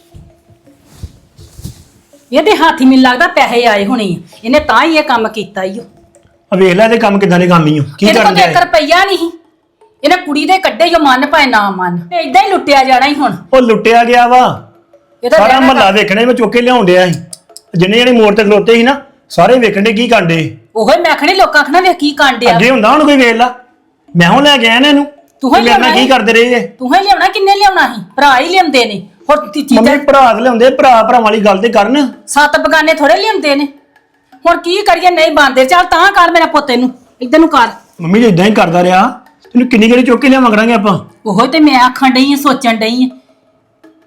B: ਇਹਦੇ ਹੱਥ ਹੀ ਮੈਨੂੰ ਲੱਗਦਾ ਪੈਸੇ ਆਏ ਹੋਣੇ ਆ। ਇਹਨੇ ਤਾਂ ਹੀ ਇਹ ਕੰਮ ਕੀਤਾ ਈ ਓ।
H: ਆ ਵੇਖ ਲੈ ਇਹਦੇ ਕੰਮ ਕਿਦਾਂ ਦੇ ਕੰਮ ਹੀ ਹੋ। ਕੀ
B: ਇਹਦੇ ਕੋਲ
H: ਕਰਨ
B: ਤਾਂ
H: ਦੇ?
B: 1 ਰੁਪਈਆ ਨਹੀਂ। ਇਹਨੇ ਕੁੜੀ ਦੇ ਕੱਢੇ ਜੋ ਮਨ ਭਾਵੇਂ ਨਾ ਮਨ ਤੇ ਇਦਾਂ ਹੀ ਲੁੱਟਿਆ ਜਾਣਾ ਹੀ ਹੁਣ।
H: ਉਹ ਲੁੱਟਿਆ ਗਿਆ ਵਾ।
B: ਇਹਦਾ
H: ਸਾਰਾ
B: ਵਿਆਹ
H: ਮਹੱਲਾ ਵੇਖਣੇ ਮੈਂ ਚੁੱਕ ਕੇ ਲਿਆਉਣ ਡਿਆ ਸੀ। ਜਿੰਨੇ ਜਣੇ ਮੋੜ ਤੇ ਖਲੋਤੇ ਸੀ ਨਾ ਸਾਰੇ ਵੇਖਣ ਦੇ ਕੀ ਕਾਂਡੇ।
B: ਉਹੀ ਮੈਂ ਆਖਣੀ ਲੋਕਾਂ ਆਖਣਾ ਵੇਖ ਕੀ ਕਾਂਡਿਆ।
H: ਅੱਗੇ ਹੁੰਦਾ ਹੁਣ ਕੋਈ ਵੇਖ ਲਾ। ਮੈਂ ਹੁਣ ਲੈ ਕੇ ਆਇਆ ਨਾ ਇਹਨੂੰ।
B: ਤੂੰ ਹੀ
H: ਮੇਰੇ ਨਾਲ
B: ਲਿਆਉਣਾ
H: ਕੀ
B: ਸੀ।
H: ਕਰਦੇ ਰਹੇ ਜੇ?
B: ਤੂੰ ਹੀ ਲਿਆਉਣਾ। ਕਿੰਨੇ ਲਿਆਉਣਾ ਸੀ? ਭਰਾ ਹੀ ਲਿਆਉਂਦੇ ਨੇ। ਹੋਰ
H: ਮੰਮੀ
B: ਚੀਜ਼ਾਂ
H: ਭਰਾ ਤੇ ਲਿਆਉਂਦੇ। ਭਰਾ ਵਾਲੀ ਗੱਲ ਤੇ ਕਰਨ।
B: 7 ਬਗਾਨੇ ਥੋੜੇ ਲਿਆਉਂਦੇ ਨੇ। ਹੁਣ ਕੀ ਕਰੀਏ? ਨਹੀਂ ਬੰਦੇ। ਚੱਲ ਤਾਂ ਕਰ ਮੇਰਾ ਪੁੱਤ ਇਹਨੂੰ ਇਦਾਂ ਨੂੰ ਕਰ।
H: ਮੰਮੀ ਜੇ ਇਦਾਂ ਹੀ ਕਰਦਾ ਰਿਹਾ ਤੈਨੂੰ ਕਿੰਨੀ ਕਿਹੜੀ ਚੁੱਕ ਕੇ ਲਿਆ ਮੰਗਾਂਗੇ ਆਪਾਂ।
B: ਉਹੋ ਤੇ ਮੈਂ ਆਖਣ ਡਈ ਆ ਸੋਚਣ ਡਈ ਆ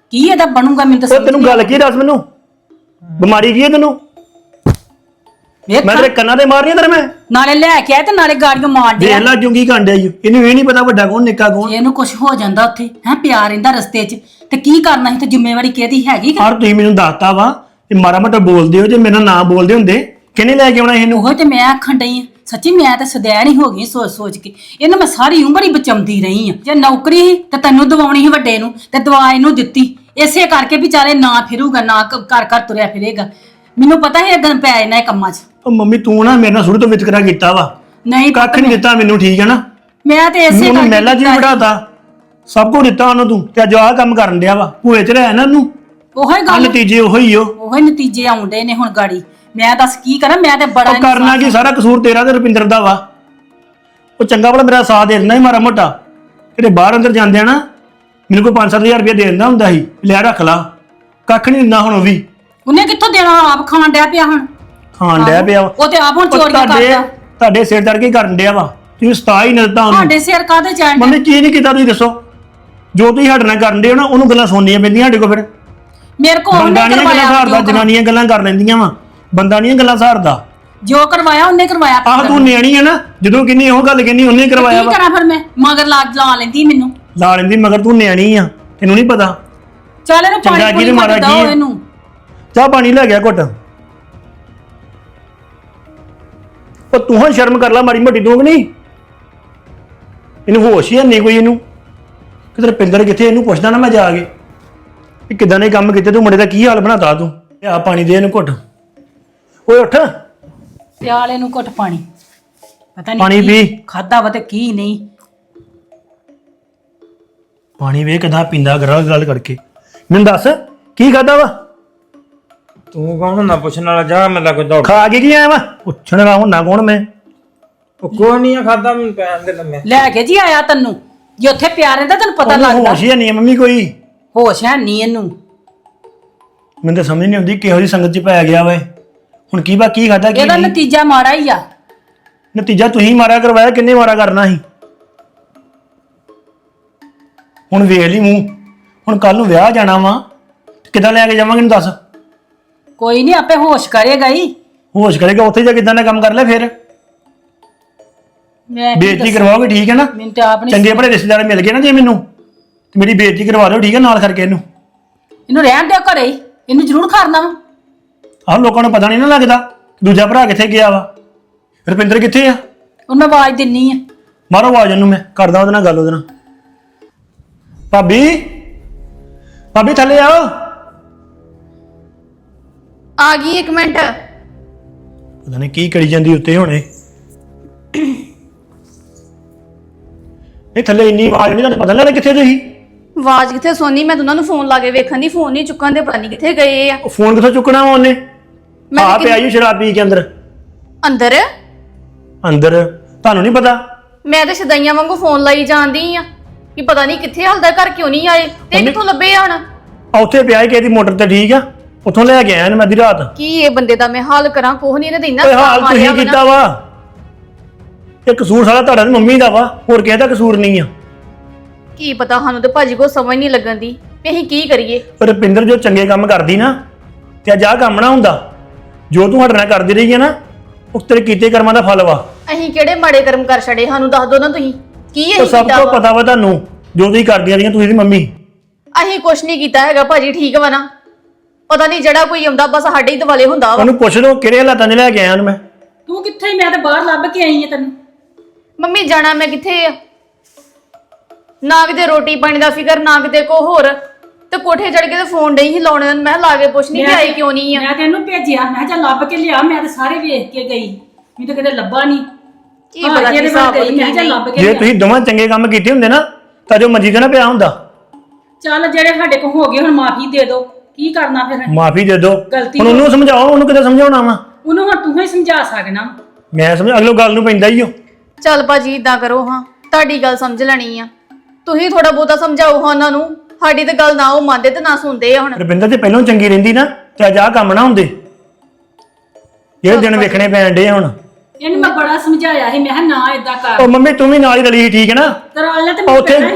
B: ਕੀ ਇਹਦਾ ਬਣੂਗਾ ਮੈਨੂੰ ਤਾਂ
H: ਉਹ
B: ਸਮਝ
H: ਤੈਨੂੰ ਗੱਲ ਕੀ ਦੱਸ ਮੈਨੂੰ ਬਿਮਾਰੀ ਕੀ ਹੈ ਤੈਨੂੰ
B: ਵੇਖ
H: ਮੈਂ ਤੇਰੇ ਕੰਨਾਂ ਤੇ ਮਾਰਨੀ ਤੇਰੇ ਮੈਂ
B: ਨਾਲੇ ਲੈ ਕੇ ਆਏ ਤੇ ਨਾਲੇ ਗਾੜੀਆਂ ਮਾਰ
H: ਦੇਖ
B: ਦਿਆ
H: ਲੈ ਜੁੰਗੀ ਕਾਂਡਿਆ ਈ ਇਹਨੂੰ ਇਹ ਨਹੀਂ ਪਤਾ ਵੱਡਾ ਕੌਣ ਨਿੱਕਾ ਕੌਣ
B: ਇਹਨੂੰ ਕੁਝ ਹੋ ਜਾਂਦਾ ਉੱਥੇ ਹੈ ਪਿਆਰ ਰਹਿੰਦਾ ਰਸਤੇ 'ਚ ਤੇ ਕੀ ਕਰਨਾ ਸੀ ਤੇ ਜ਼ਿੰਮੇਵਾਰੀ ਕਿਹਦੀ ਹੈਗੀ ਕਿ
H: ਹਰ ਤੁਸੀਂ ਮੈਨੂੰ ਦੱਸਤਾ ਵਾ ਕਿ ਮਾੜਾ ਮੋਟਾ ਬੋਲਦੇ ਹੋ ਜੇ ਮੇਰਾ ਨਾਂ ਬੋਲਦੇ ਹੁੰਦੇ ਕਿਹਨੇ ਲੈ ਕੇ ਆਉਣਾ ਇਹਨੂੰ
B: ਉਹ ਤੇ ਮੈਂ ਆਖਣ ਡਈ ਆ ਸੱਚੀ ਮੈਂ ਤਾਂ ਸਦੈਣ ਹੀ ਹੋ ਗਈ ਸੋਚ ਸੋਚ ਕੇ ਇਹਨੂੰ ਮੈਂ ਸਾਰੀ ਉਮਰ ਹੀ ਬਚਾਉਂਦੀ ਰਹੀ ਆ ਜੇ ਨੌਕਰੀ ਸੀ ਤੇ ਤੈਨੂੰ ਦਵਾਉਣੀ ਸੀ ਵੱਡੇ ਨੂੰ ਤੇ ਦਵਾ ਇਹਨੂੰ ਦਿੱਤੀ ਇਸੇ ਕਰਕੇ ਵੀ ਚਾਲੇ ਨਾ ਫਿਰੂਗਾ ਨਾ ਘਰ ਘਰ ਤੁਰਿਆ ਫਿਰੇਗਾ ਮੈਨੂੰ ਪਤਾ ਹੈ ਅਗਨ ਪੈ ਇਹਨਾਂ ਕੰਮਾਂ 'ਚ
H: ਉਹ ਮੰਮੀ ਤੂੰ ਨਾ ਮੇਰੇ ਨਾਲ ਸ਼ੁਰੂ ਤੋਂ ਵਿਤਕਰਾ ਕੀਤਾ ਵਾ
B: ਨਹੀਂ
H: ਕੱਖ ਨਹੀਂ ਦਿੱਤਾ ਮੈਨੂੰ ਠੀਕ ਹੈ ਨਾ
B: ਮੈਂ ਤੇ ਇਸੇ
H: ਉਹਨੂੰ ਮਹਿਲਾ ਜੀ
B: ਕੀਤਾ ਸੀ।
H: ਬਿਠਾਤਾ ਸਭ ਕੁਝ ਦਿੱਤਾ ਉਹਨੂੰ ਤੂੰ ਤੇ ਅੱਜ ਆਹ ਕੰਮ ਕਰਨ ਡਿਆ ਵਾ ਭੂਏ ਚ ਰਹਿ ਨਾ ਉਹਨੂੰ
B: ਉਹੀ
H: ਆ
B: ਗੱਲ
H: ਨਤੀਜੇ ਉਹੀ ਓ
B: ਉਹੀ ਨਤੀਜੇ ਆਉਂਦੇ ਨੇ ਹੁਣ ਗਾੜੀ ਮੈਂ ਦੱਸ ਕੀ ਕਰਾਂ ਮੈਂ ਤੇ ਬੜਾ
H: ਉਹ ਕਰਨਾ ਕੀ ਸਾਰਾ ਕਸੂਰ ਤੇਰਾ ਤੇ ਰੁਪਿੰਦਰ ਦਾ ਵਾ ਉਹ ਚੰਗਾ ਭਲਾ ਮੇਰਾ ਸਾਥ ਦੇ ਦਿੰਦਾ ਸੀ ਮਾੜਾ ਮੋਟਾ ਜਿਹੜੇ ਬਾਹਰ ਅੰਦਰ ਜਾਂਦੇ ਆ ਨਾ ਮੈਨੂੰ ਕੋਈ 5-7 ਹਜ਼ਾਰ ਰੁਪਇਆ ਦੇ ਦਿੰਦਾ ਹੁੰਦਾ ਸੀ ਲੈ ਰੱਖ ਲਾ ਕੱਖ ਨਹੀਂ ਦਿੰਦਾ ਹੁਣ ਉਹ ਵੀ
B: ਉਹਨੇ ਕਿੱਥੋਂ ਦੇਣਾ ਆਪ ਖਾਣ ਡਿਆ ਪਿਆ ਹੁਣ
H: ਖਾਣ ਡਿਆ ਪਿਆ ਵਾ।
B: ਉਹ ਤੇ ਆਪ ਹੁਣ
H: ਉਹ
B: ਚੋਰੀਆਂ ਕਰਦਾ
H: ਤੁਹਾਡੇ ਸਿਰ ਚੜ ਕੇ ਕਰਨ ਡਿਆ ਵਾ ਤੁਸੀਂ ਸਤਾ ਹੀ ਨਾ ਦਿੱਤਾ ਉਹਨੂੰ
B: ਸਾਡੇ ਸਿਰ ਕਾਹਦੇ ਜਾਣ
H: ਮੰਮੀ ਕੀ ਨਹੀਂ ਕੀਤਾ ਤੁਸੀਂ ਦੱਸੋ ਜੋ ਤੁਸੀਂ ਸਾਡੇ ਨਾਲ ਕਰਨ ਦੇ ਹੋ ਨਾ ਉਹਨੂੰ ਗੱਲਾਂ ਸੁਣਨੀਆਂ ਪੈਂਦੀਆਂ ਸਾਡੇ ਕੋਲ ਫਿਰ
B: ਮੇਰੇ ਕੋਲ ਉਹਨੇ
H: ਬੰਦਾ ਨਹੀਂ ਗੱਲਾਂ
B: ਕਰਵਾਇਆ
H: ਸਹਾਰਦਾ ਜਨਾਨੀਆਂ ਗੱਲਾਂ ਕਰ ਲੈਂਦੀਆਂ ਵਾ ਬੰਦਾ ਨਹੀਂ ਗੱਲਾਂ ਸਹਾਰਦਾ
B: ਜੋ ਕਰਵਾਇਆ ਉਹਨੇ ਕਰਵਾਇਆ
H: ਆਹ ਤੂੰ ਨਿਆਣੀ ਹੈ ਨਾ ਜਦੋਂ ਕਿੰਨੀ ਉਹ ਗੱਲ ਕਹਿੰਦੀ ਉਹਨੇ ਕਰਵਾਇਆ
B: ਕੀ
H: ਵਾ
B: ਕਰਾਂ ਫਿਰ ਮੈਂ ਮਗਰ ਲਾ ਲੈਂਦੀ ਮੈਨੂੰ
H: ਲਾ ਲੈਂਦੀ ਮਗਰ ਤੂੰ ਨਿਆਣੀ ਆ ਤੈਨੂੰ ਨਹੀਂ ਪਤਾ
B: ਚੱਲ ਇਹਨੂੰ
H: ਚੰਗਾ
B: ਪਾਣੀ
H: ਕੀ ਤੇ
B: ਪੂਰੀ
H: ਮਾੜਾ
B: ਮਤ
H: ਕੀ
B: ਦੋ
H: ਹੈ?
B: ਇਹਨੂੰ
H: ਚਾਹ ਪਾਣੀ ਲੈ ਗਿਆ ਘੁੱਟ ਉਹ ਤੂੰ ਹਾਂ ਸ਼ਰਮ ਕਰ ਲੈ ਮਾੜੀ ਮੋਟੀ ਤੂੰ ਕਿ ਨਹੀਂ ਇਹਨੂੰ ਹੋਸ਼ ਹੀ ਨਹੀਂ ਕੋਈ ਇਹਨੂੰ ਕਿਧਰ ਪਿੰਦਰ ਕਿੱਥੇ ਇਹਨੂੰ ਪੁੱਛਦਾ ਨਾ ਮੈਂ ਜਾ ਕੇ ਕਿ ਕਿਦਾਂ ਨੇ ਕੰਮ ਕੀਤੇ ਤੂੰ ਮੁੰਡੇ ਦਾ ਕੀ ਹਾਲ ਬਣਾਤਾ ਤੂੰ ਆ ਪਾਣੀ ਦੇ ਇਹਨੂੰ ਘੁੱਟ ਓਏ ਉੱਠ
B: ਪਿਆਲੇ ਨੂੰ ਘੁੱਟ ਪਾਣੀ ਪਤਾ ਨਹੀਂ
H: ਪਾਣੀ ਪੀ।
B: ਖਾਦਾ ਵਾ ਤੇ ਕੀ ਨਹੀਂ
H: ਪਾਣੀ ਵੇ ਕਿਦਾਂ ਪੀਂਦਾ ਗੱਲ ਕਰਕੇ ਮੈਨੂੰ ਦੱਸ ਕੀ ਖਾਦਾ ਵਾ
I: ਤੂੰ ਕੌਣ ਹੁੰਦਾ ਪੁੱਛਣ ਵਾਲਾ ਜਾ ਮੈਂ ਲੱਗ ਦੌੜ
H: ਖਾ ਕੇ ਕੀ ਆਇਆ ਵਾ ਪੁੱਛਣ ਵਾਲਾ ਹੁੰਨਾ ਕੌਣ ਮੈਂ
I: ਉਹ ਕੋਈ ਨਹੀਂ ਖਾਦਾ ਮੈਨੂੰ ਪੈਣ ਦੇ ਲੰਮੇ
B: ਲੈ ਕੇ ਜੀ ਆਇਆ ਤੈਨੂੰ ਜੇ ਉੱਥੇ ਪਿਆਰ ਰਹਿੰਦਾ ਤੈਨੂੰ ਪਤਾ
H: ਉਹਨੂੰ
B: ਲੱਗਦਾ
H: ਹੋਸ਼ ਹੀ ਨਹੀਂ ਮੰਮੀ ਕੋਈ
B: ਹੋਸ਼ ਹੈ ਨਹੀਂ ਇਹਨੂੰ
H: ਮੈਨੂੰ ਤਾਂ ਸਮਝ ਨਹੀਂ ਆਉਂਦੀ ਕਿਹੋ ਜਿਹੀ ਸੰਗਤ 'ਚ ਪੈ ਗਿਆ ਵਾ ਹੁਣ ਕੀ ਬਾ ਕੀ ਖਾਦਾ ਕੀ
B: ਇਹਦਾ
H: ਨਹੀਂ
B: ਨਤੀਜਾ ਮਾੜਾ ਹੀ ਆ
H: ਨਤੀਜਾ ਤੁਸੀਂ ਮਾਰਿਆ ਕਰਵਾਇਆ ਕਿੰਨੇ ਮਾਰਾ ਕਰਨਾ ਸੀ ਹੁਣ ਵੇਖ ਲਈ ਮੂੰਹ ਹੁਣ ਕੱਲ ਨੂੰ ਵਿਆਹ ਜਾਣਾ ਵਾ ਕਿੱਦਾਂ ਲੈ ਕੇ ਜਾਵਾਂਗੇ ਇਹਨੂੰ ਦੱਸ
B: ਕੋਈ ਨਹੀਂ ਆਪੇ ਹੋਸ਼ ਕਰੇਗਾ ਹੀ
H: ਹੋਸ਼ ਕਰੇਗਾ ਉੱਥੇ ਜਾ ਕਿੱਦਾਂ ਦਾ ਕੰਮ ਕਰ ਲੈ ਫਿਰ
B: ਮੈਂ ਕੀ
H: ਬੇਇੱਜ਼ਤੀ
B: ਦੱਸਾਂ?
H: ਕਰਵਾਓਗੇ ਠੀਕ ਹੈ ਨਾ
B: ਮੈਨੂੰ ਤੇ ਆਪ ਨਹੀਂ
H: ਚੰਗੇ ਭਲੇ ਰਿਸ਼ਤੇਦਾਰ ਮਿਲ ਗਏ ਨਾ ਜੇ ਮੈਨੂੰ ਤੇ ਮੇਰੀ ਬੇਇੱਜ਼ਤੀ ਕਰਵਾ ਦਿਓ ਠੀਕ ਹੈ ਨਾਲ ਕਰਕੇ ਇਹਨੂੰ
B: ਇਹਨੂੰ ਰਹਿਣ ਦਿਓ ਘਰੇ ਹੀ ਇਹਨੂੰ ਜ਼ਰੂਰ ਖਾਣਾ ਵਾ
H: ਆਹ ਲੋਕਾਂ ਨੂੰ ਪਤਾ ਨਹੀਂ ਨਾ ਲੱਗਦਾ ਦੂਜਾ ਭਰਾ ਕਿੱਥੇ ਗਿਆ ਵਾ ਰੁਪਿੰਦਰ ਕਿੱਥੇ ਆ
B: ਉਹਨੂੰ ਮੈਂ ਆਵਾਜ਼ ਦਿੰਨੀ ਆ
H: ਮਾਰੋ ਆਵਾਜ਼ ਉਹਨੂੰ ਮੈਂ ਕਰਦਾ ਉਹਦੇ ਨਾਲ ਗੱਲ ਉਹਦੇ ਨਾਲ ਭਾਬੀ ਭਾਬੀ ਥੱਲੇ ਆਓ
C: ਆ ਗਈ 1 ਮਿੰਟ
H: ਪਤਾ ਨਹੀਂ ਕੀ ਕਰੀ ਜਾਂਦੀ ਉੱਤੇ ਹੁਣੇ ਇਹ ਥੱਲੇ ਇੰਨੀ ਆਵਾਜ਼ ਨਹੀਂ ਤੁਹਾਨੂੰ ਪਤਾ ਨੀ ਲੱਗਦਾ ਕਿੱਥੇ ਤੁਸੀਂ
C: ਆਵਾਜ਼ ਕਿੱਥੇ ਸੁਣਨੀ ਮੈਂ ਉਹਨਾਂ ਨੂੰ ਫੋਨ ਲਾ ਕੇ ਵੇਖਣ ਦੀ ਫੋਨ ਨਹੀਂ ਚੁੱਕਣ ਦੇ ਪਤਾ ਨਹੀਂ ਕਿੱਥੇ ਗਏ ਆ
H: ਉਹ ਫੋਨ ਕਿੱਥੋਂ ਚੁੱਕਣਾ ਵਾ ਉਹਨੇ
C: ਮੈਂ
H: ਆ
C: ਤਾਂ
H: ਪਿਆ ਜੀ ਸ਼ਰਾਬ ਪੀ ਕੇ ਅੰਦਰ
C: ਅੰਦਰ
H: ਅੰਦਰ ਤੁਹਾਨੂੰ ਨਹੀਂ ਪਤਾ
C: ਮੈਂ ਤਾਂ ਸ਼ਦਾਈਆਂ ਵਾਂਗੂ ਫੋਨ ਲਾਈ ਜਾਂਦੀ ਆ ਕਿ ਪਤਾ ਨਹੀਂ ਕਿੱਥੇ ਹਲਦਾ ਘਰ ਕਿਉਂ ਨਹੀਂ ਆਏ ਤੇ ਕਿੱਥੋਂ ਲੱਭੇ ਆ ਹੁਣ
H: ਆ ਉੱਥੇ ਪਿਆ ਹੀ ਕਿਸੇ ਦੀ ਮੋਟਰ ਤੇ ਠੀਕ ਆ ਉੱਥੋਂ ਲੈ ਕੇ ਆਇਆ ਇਹਨੂੰ ਮੈਂ ਅੱਧੀ ਰਾਤ
C: ਕੀ ਇਹ ਬੰਦੇ ਦਾ ਮੈਂ ਹਾਲ ਕਰਾਂ ਕੋਹ ਨਹੀਂ ਇਹਨੇ ਦਿੰਦਾ
H: ਓਏ ਹਾਲ ਤੁਸੀਂ ਕੀਤਾ ਵਾ ਇਹ ਕਸੂਰ ਸਾਰਾ ਤੁਹਾਡਾ ਤੇ ਮੰਮੀ ਦਾ ਵਾ ਹੋਰ ਕਿਸੇ ਦਾ ਕਸੂਰ ਨਹੀਂ ਆ
C: ਕੀ ਪਤਾ ਸਾਨੂੰ ਤੇ ਭਾਜੀ ਕੋ ਸਮਝ ਨਹੀਂ ਲੱਗਣ ਦੀ ਵੀ ਅਸੀਂ ਕੀ ਕਰੀਏ
H: ਪਰ ਰੁਪਿੰਦਰ ਜੋ ਚੰਗੇ ਕੰਮ ਕਰਦੀ ਨਾ ਤੇ ਅੱਜ ਆਹ ਕੰਮ ਨਾ ਹੁੰਦਾ ਜੋ ਤੂੰ ਸਾਡੇ ਨਾਲ ਕਰਦੀ ਰਹੀ ਹੈ ਨਾ ਉਹ ਤੇਰੇ ਕੀਤੇ ਕਰਮਾਂ ਦਾ ਫਲ ਵਾ
C: ਅਸੀਂ ਕਿਹੜੇ ਮਾੜੇ ਕਰਮ ਕਰ ਛੜੇ ਸਾਨੂੰ ਦੱਸ ਦੋ ਨਾ ਤੁਸੀਂ ਕੀ
H: ਉਹ
C: ਇਹ
H: ਸਭ
C: ਕੀਤਾ
H: ਤੋਂ
C: ਵਾ?
H: ਪਤਾ ਵਾ ਤੁਹਾਨੂੰ ਜੋ ਤੁਸੀਂ ਕਰਦੀਆਂ ਰਹੀਆਂ ਤੁਸੀਂ ਦੀ ਮੰਮੀ
C: ਅਸੀਂ ਕੁਛ ਨਹੀਂ ਕੀਤਾ ਹੈਗਾ ਭਾਜੀ ਠੀਕ ਵਾ ਨਾ ਪਤਾ ਨਹੀਂ ਜਿਹੜਾ ਕੋਈ ਆਉਂਦਾ ਬਸ ਸਾਡੇ ਹੀ ਦਿਵਾਲੇ ਹੁੰਦਾ ਵਾ
H: ਉਹਨੂੰ ਪੁੱਛ ਲਓ ਕਿਹੜੇ ਹਾਲਾਤਾਂ 'ਚ ਲੈ ਕੇ ਆਇਆ ਉਹਨੂੰ ਮੈਂ
B: ਤੂੰ ਕਿੱਥੇ ਮੈਂ ਤਾਂ ਬਾਹਰ ਲੱਭ ਕੇ ਆਈ ਆ ਤੈਨੂੰ
C: ਮੰਮੀ ਜਾਣਾ ਮੈਂ ਕਿੱਥੇ ਆ ਨਾ ਕਿਤੇ ਰੋਟੀ ਪਾਣੀ ਦਾ ਫਿਕਰ ਨਾ ਕਿਤੇ ਕੋ ਹੋਰ ਤੇ ਕੋਠੇ ਚੜ ਕੇ ਤੇ ਫੋਨ ਡਈ ਸੀ ਲਾਉਣੇ ਨੂੰ ਮੈਂ ਲਾ ਕੇ ਪੁੱਛਣੀ ਕਿ ਆਈ ਕਿਉਂ ਨਹੀਂ ਆ
B: ਮੈਂ ਤੈਨੂੰ ਭੇਜਿਆ ਮੈਂ ਕਿਹਾ ਚੱਲ ਲੱਭ ਕੇ ਲਿਆ ਮੈਂ ਤਾਂ ਸਾਰੇ ਵੇਖ ਕੇ ਗਈ ਮੈਨੂੰ ਤਾਂ ਕਿਤੇ ਲੱਭਾ ਨਹੀਂ
C: ਕੀ ਪਤਾ ਕੀ ਹਿਸਾਬ
B: ਗਈ ਮੈਂ ਕਿਹਾ ਚੱਲ ਲੱਭ ਕੇ
H: ਜੇ
B: ਲਿਆ
H: ਤੁਸੀਂ ਦੋਵਾਂ ਚੰਗੇ ਕੰਮ ਕੀਤੇ ਹੁੰਦੇ ਨਾ ਤਾਂ ਜੋ ਮੰਜੀ ਤੇ ਨਾ ਪਿਆ ਹੁੰਦਾ
B: ਚੱਲ ਜਿਹੜੇ ਸਾਡੇ ਕੋਲ ਹੋ ਗਏ ਹੁਣ ਮਾਫੀ ਦੇ ਦਿਓ ਕੀ ਕਰਨਾ ਫਿਰ
H: ਮਾਫੀ ਦੇ ਦਿਓ
B: ਗਲਤੀ
H: ਹੁਣ ਉਹਨੂੰ ਸਮਝਾਓ ਉਹਨੂੰ ਕਿਤੇ ਸਮਝਾਉਣਾ ਵਾ
B: ਉਹਨੂੰ ਹੁਣ ਤੂੰ ਹੀ ਸਮਝਾ ਸਕਣਾ
H: ਮੈਂ ਸਮਝ ਅਗਲੋ ਗੱਲ ਨੂੰ ਪੈਂਦਾ ਹੀ ਹੋ
C: ਚੱਲ ਭਾਜੀ ਇਦਾਂ ਕਰੋ ਹਾਂ ਤੁਹਾਡੀ ਗੱਲ ਸਮਝ ਲੈਣੀ ਆ ਤੁਸੀਂ ਥੋੜਾ ਬਹੁਤਾ ਸਮਝਾਓ ਹਾਂ ਉਹਨਾਂ ਨੂੰ ਸਾਡੀ ਤੇ ਗੱਲ ਨਾ ਉਹ ਮੰਨਦੇ ਤੇ ਨਾ ਸੁਣਦੇ ਆ ਹੁਣ
H: ਰੁਪਿੰਦਰ ਤੇ ਪਹਿਲਾਂ ਚੰਗੀ ਰਹਿੰਦੀ ਨਾ ਤੇ ਅੱਜ ਆਹ ਕੰਮ ਨਾ ਹੁੰਦੇ ਇਹ ਦਿਨ ਵੇਖਣੇ ਪੈਣ ਡੇ ਹੁਣ
B: ਇਹਨੂੰ ਮੈਂ ਬੜਾ ਸਮਝਾਇਆ ਸੀ ਮੈਂ ਕਿਹਾ ਨਾ ਇਦਾਂ ਕਰ
H: ਉਹ ਮੰਮੀ ਤੂੰ ਵੀ ਨਾਲ ਹੀ ਰਲੀ ਸੀ ਠੀਕ ਹੈ ਨਾ
B: ਤਰਾਲ ਲੈ ਤੇ
H: ਆ
B: ਮੈਂ
H: ਉੱਥੇ
B: ਕਹਿਣਾ ਸੀ ਫਿਰ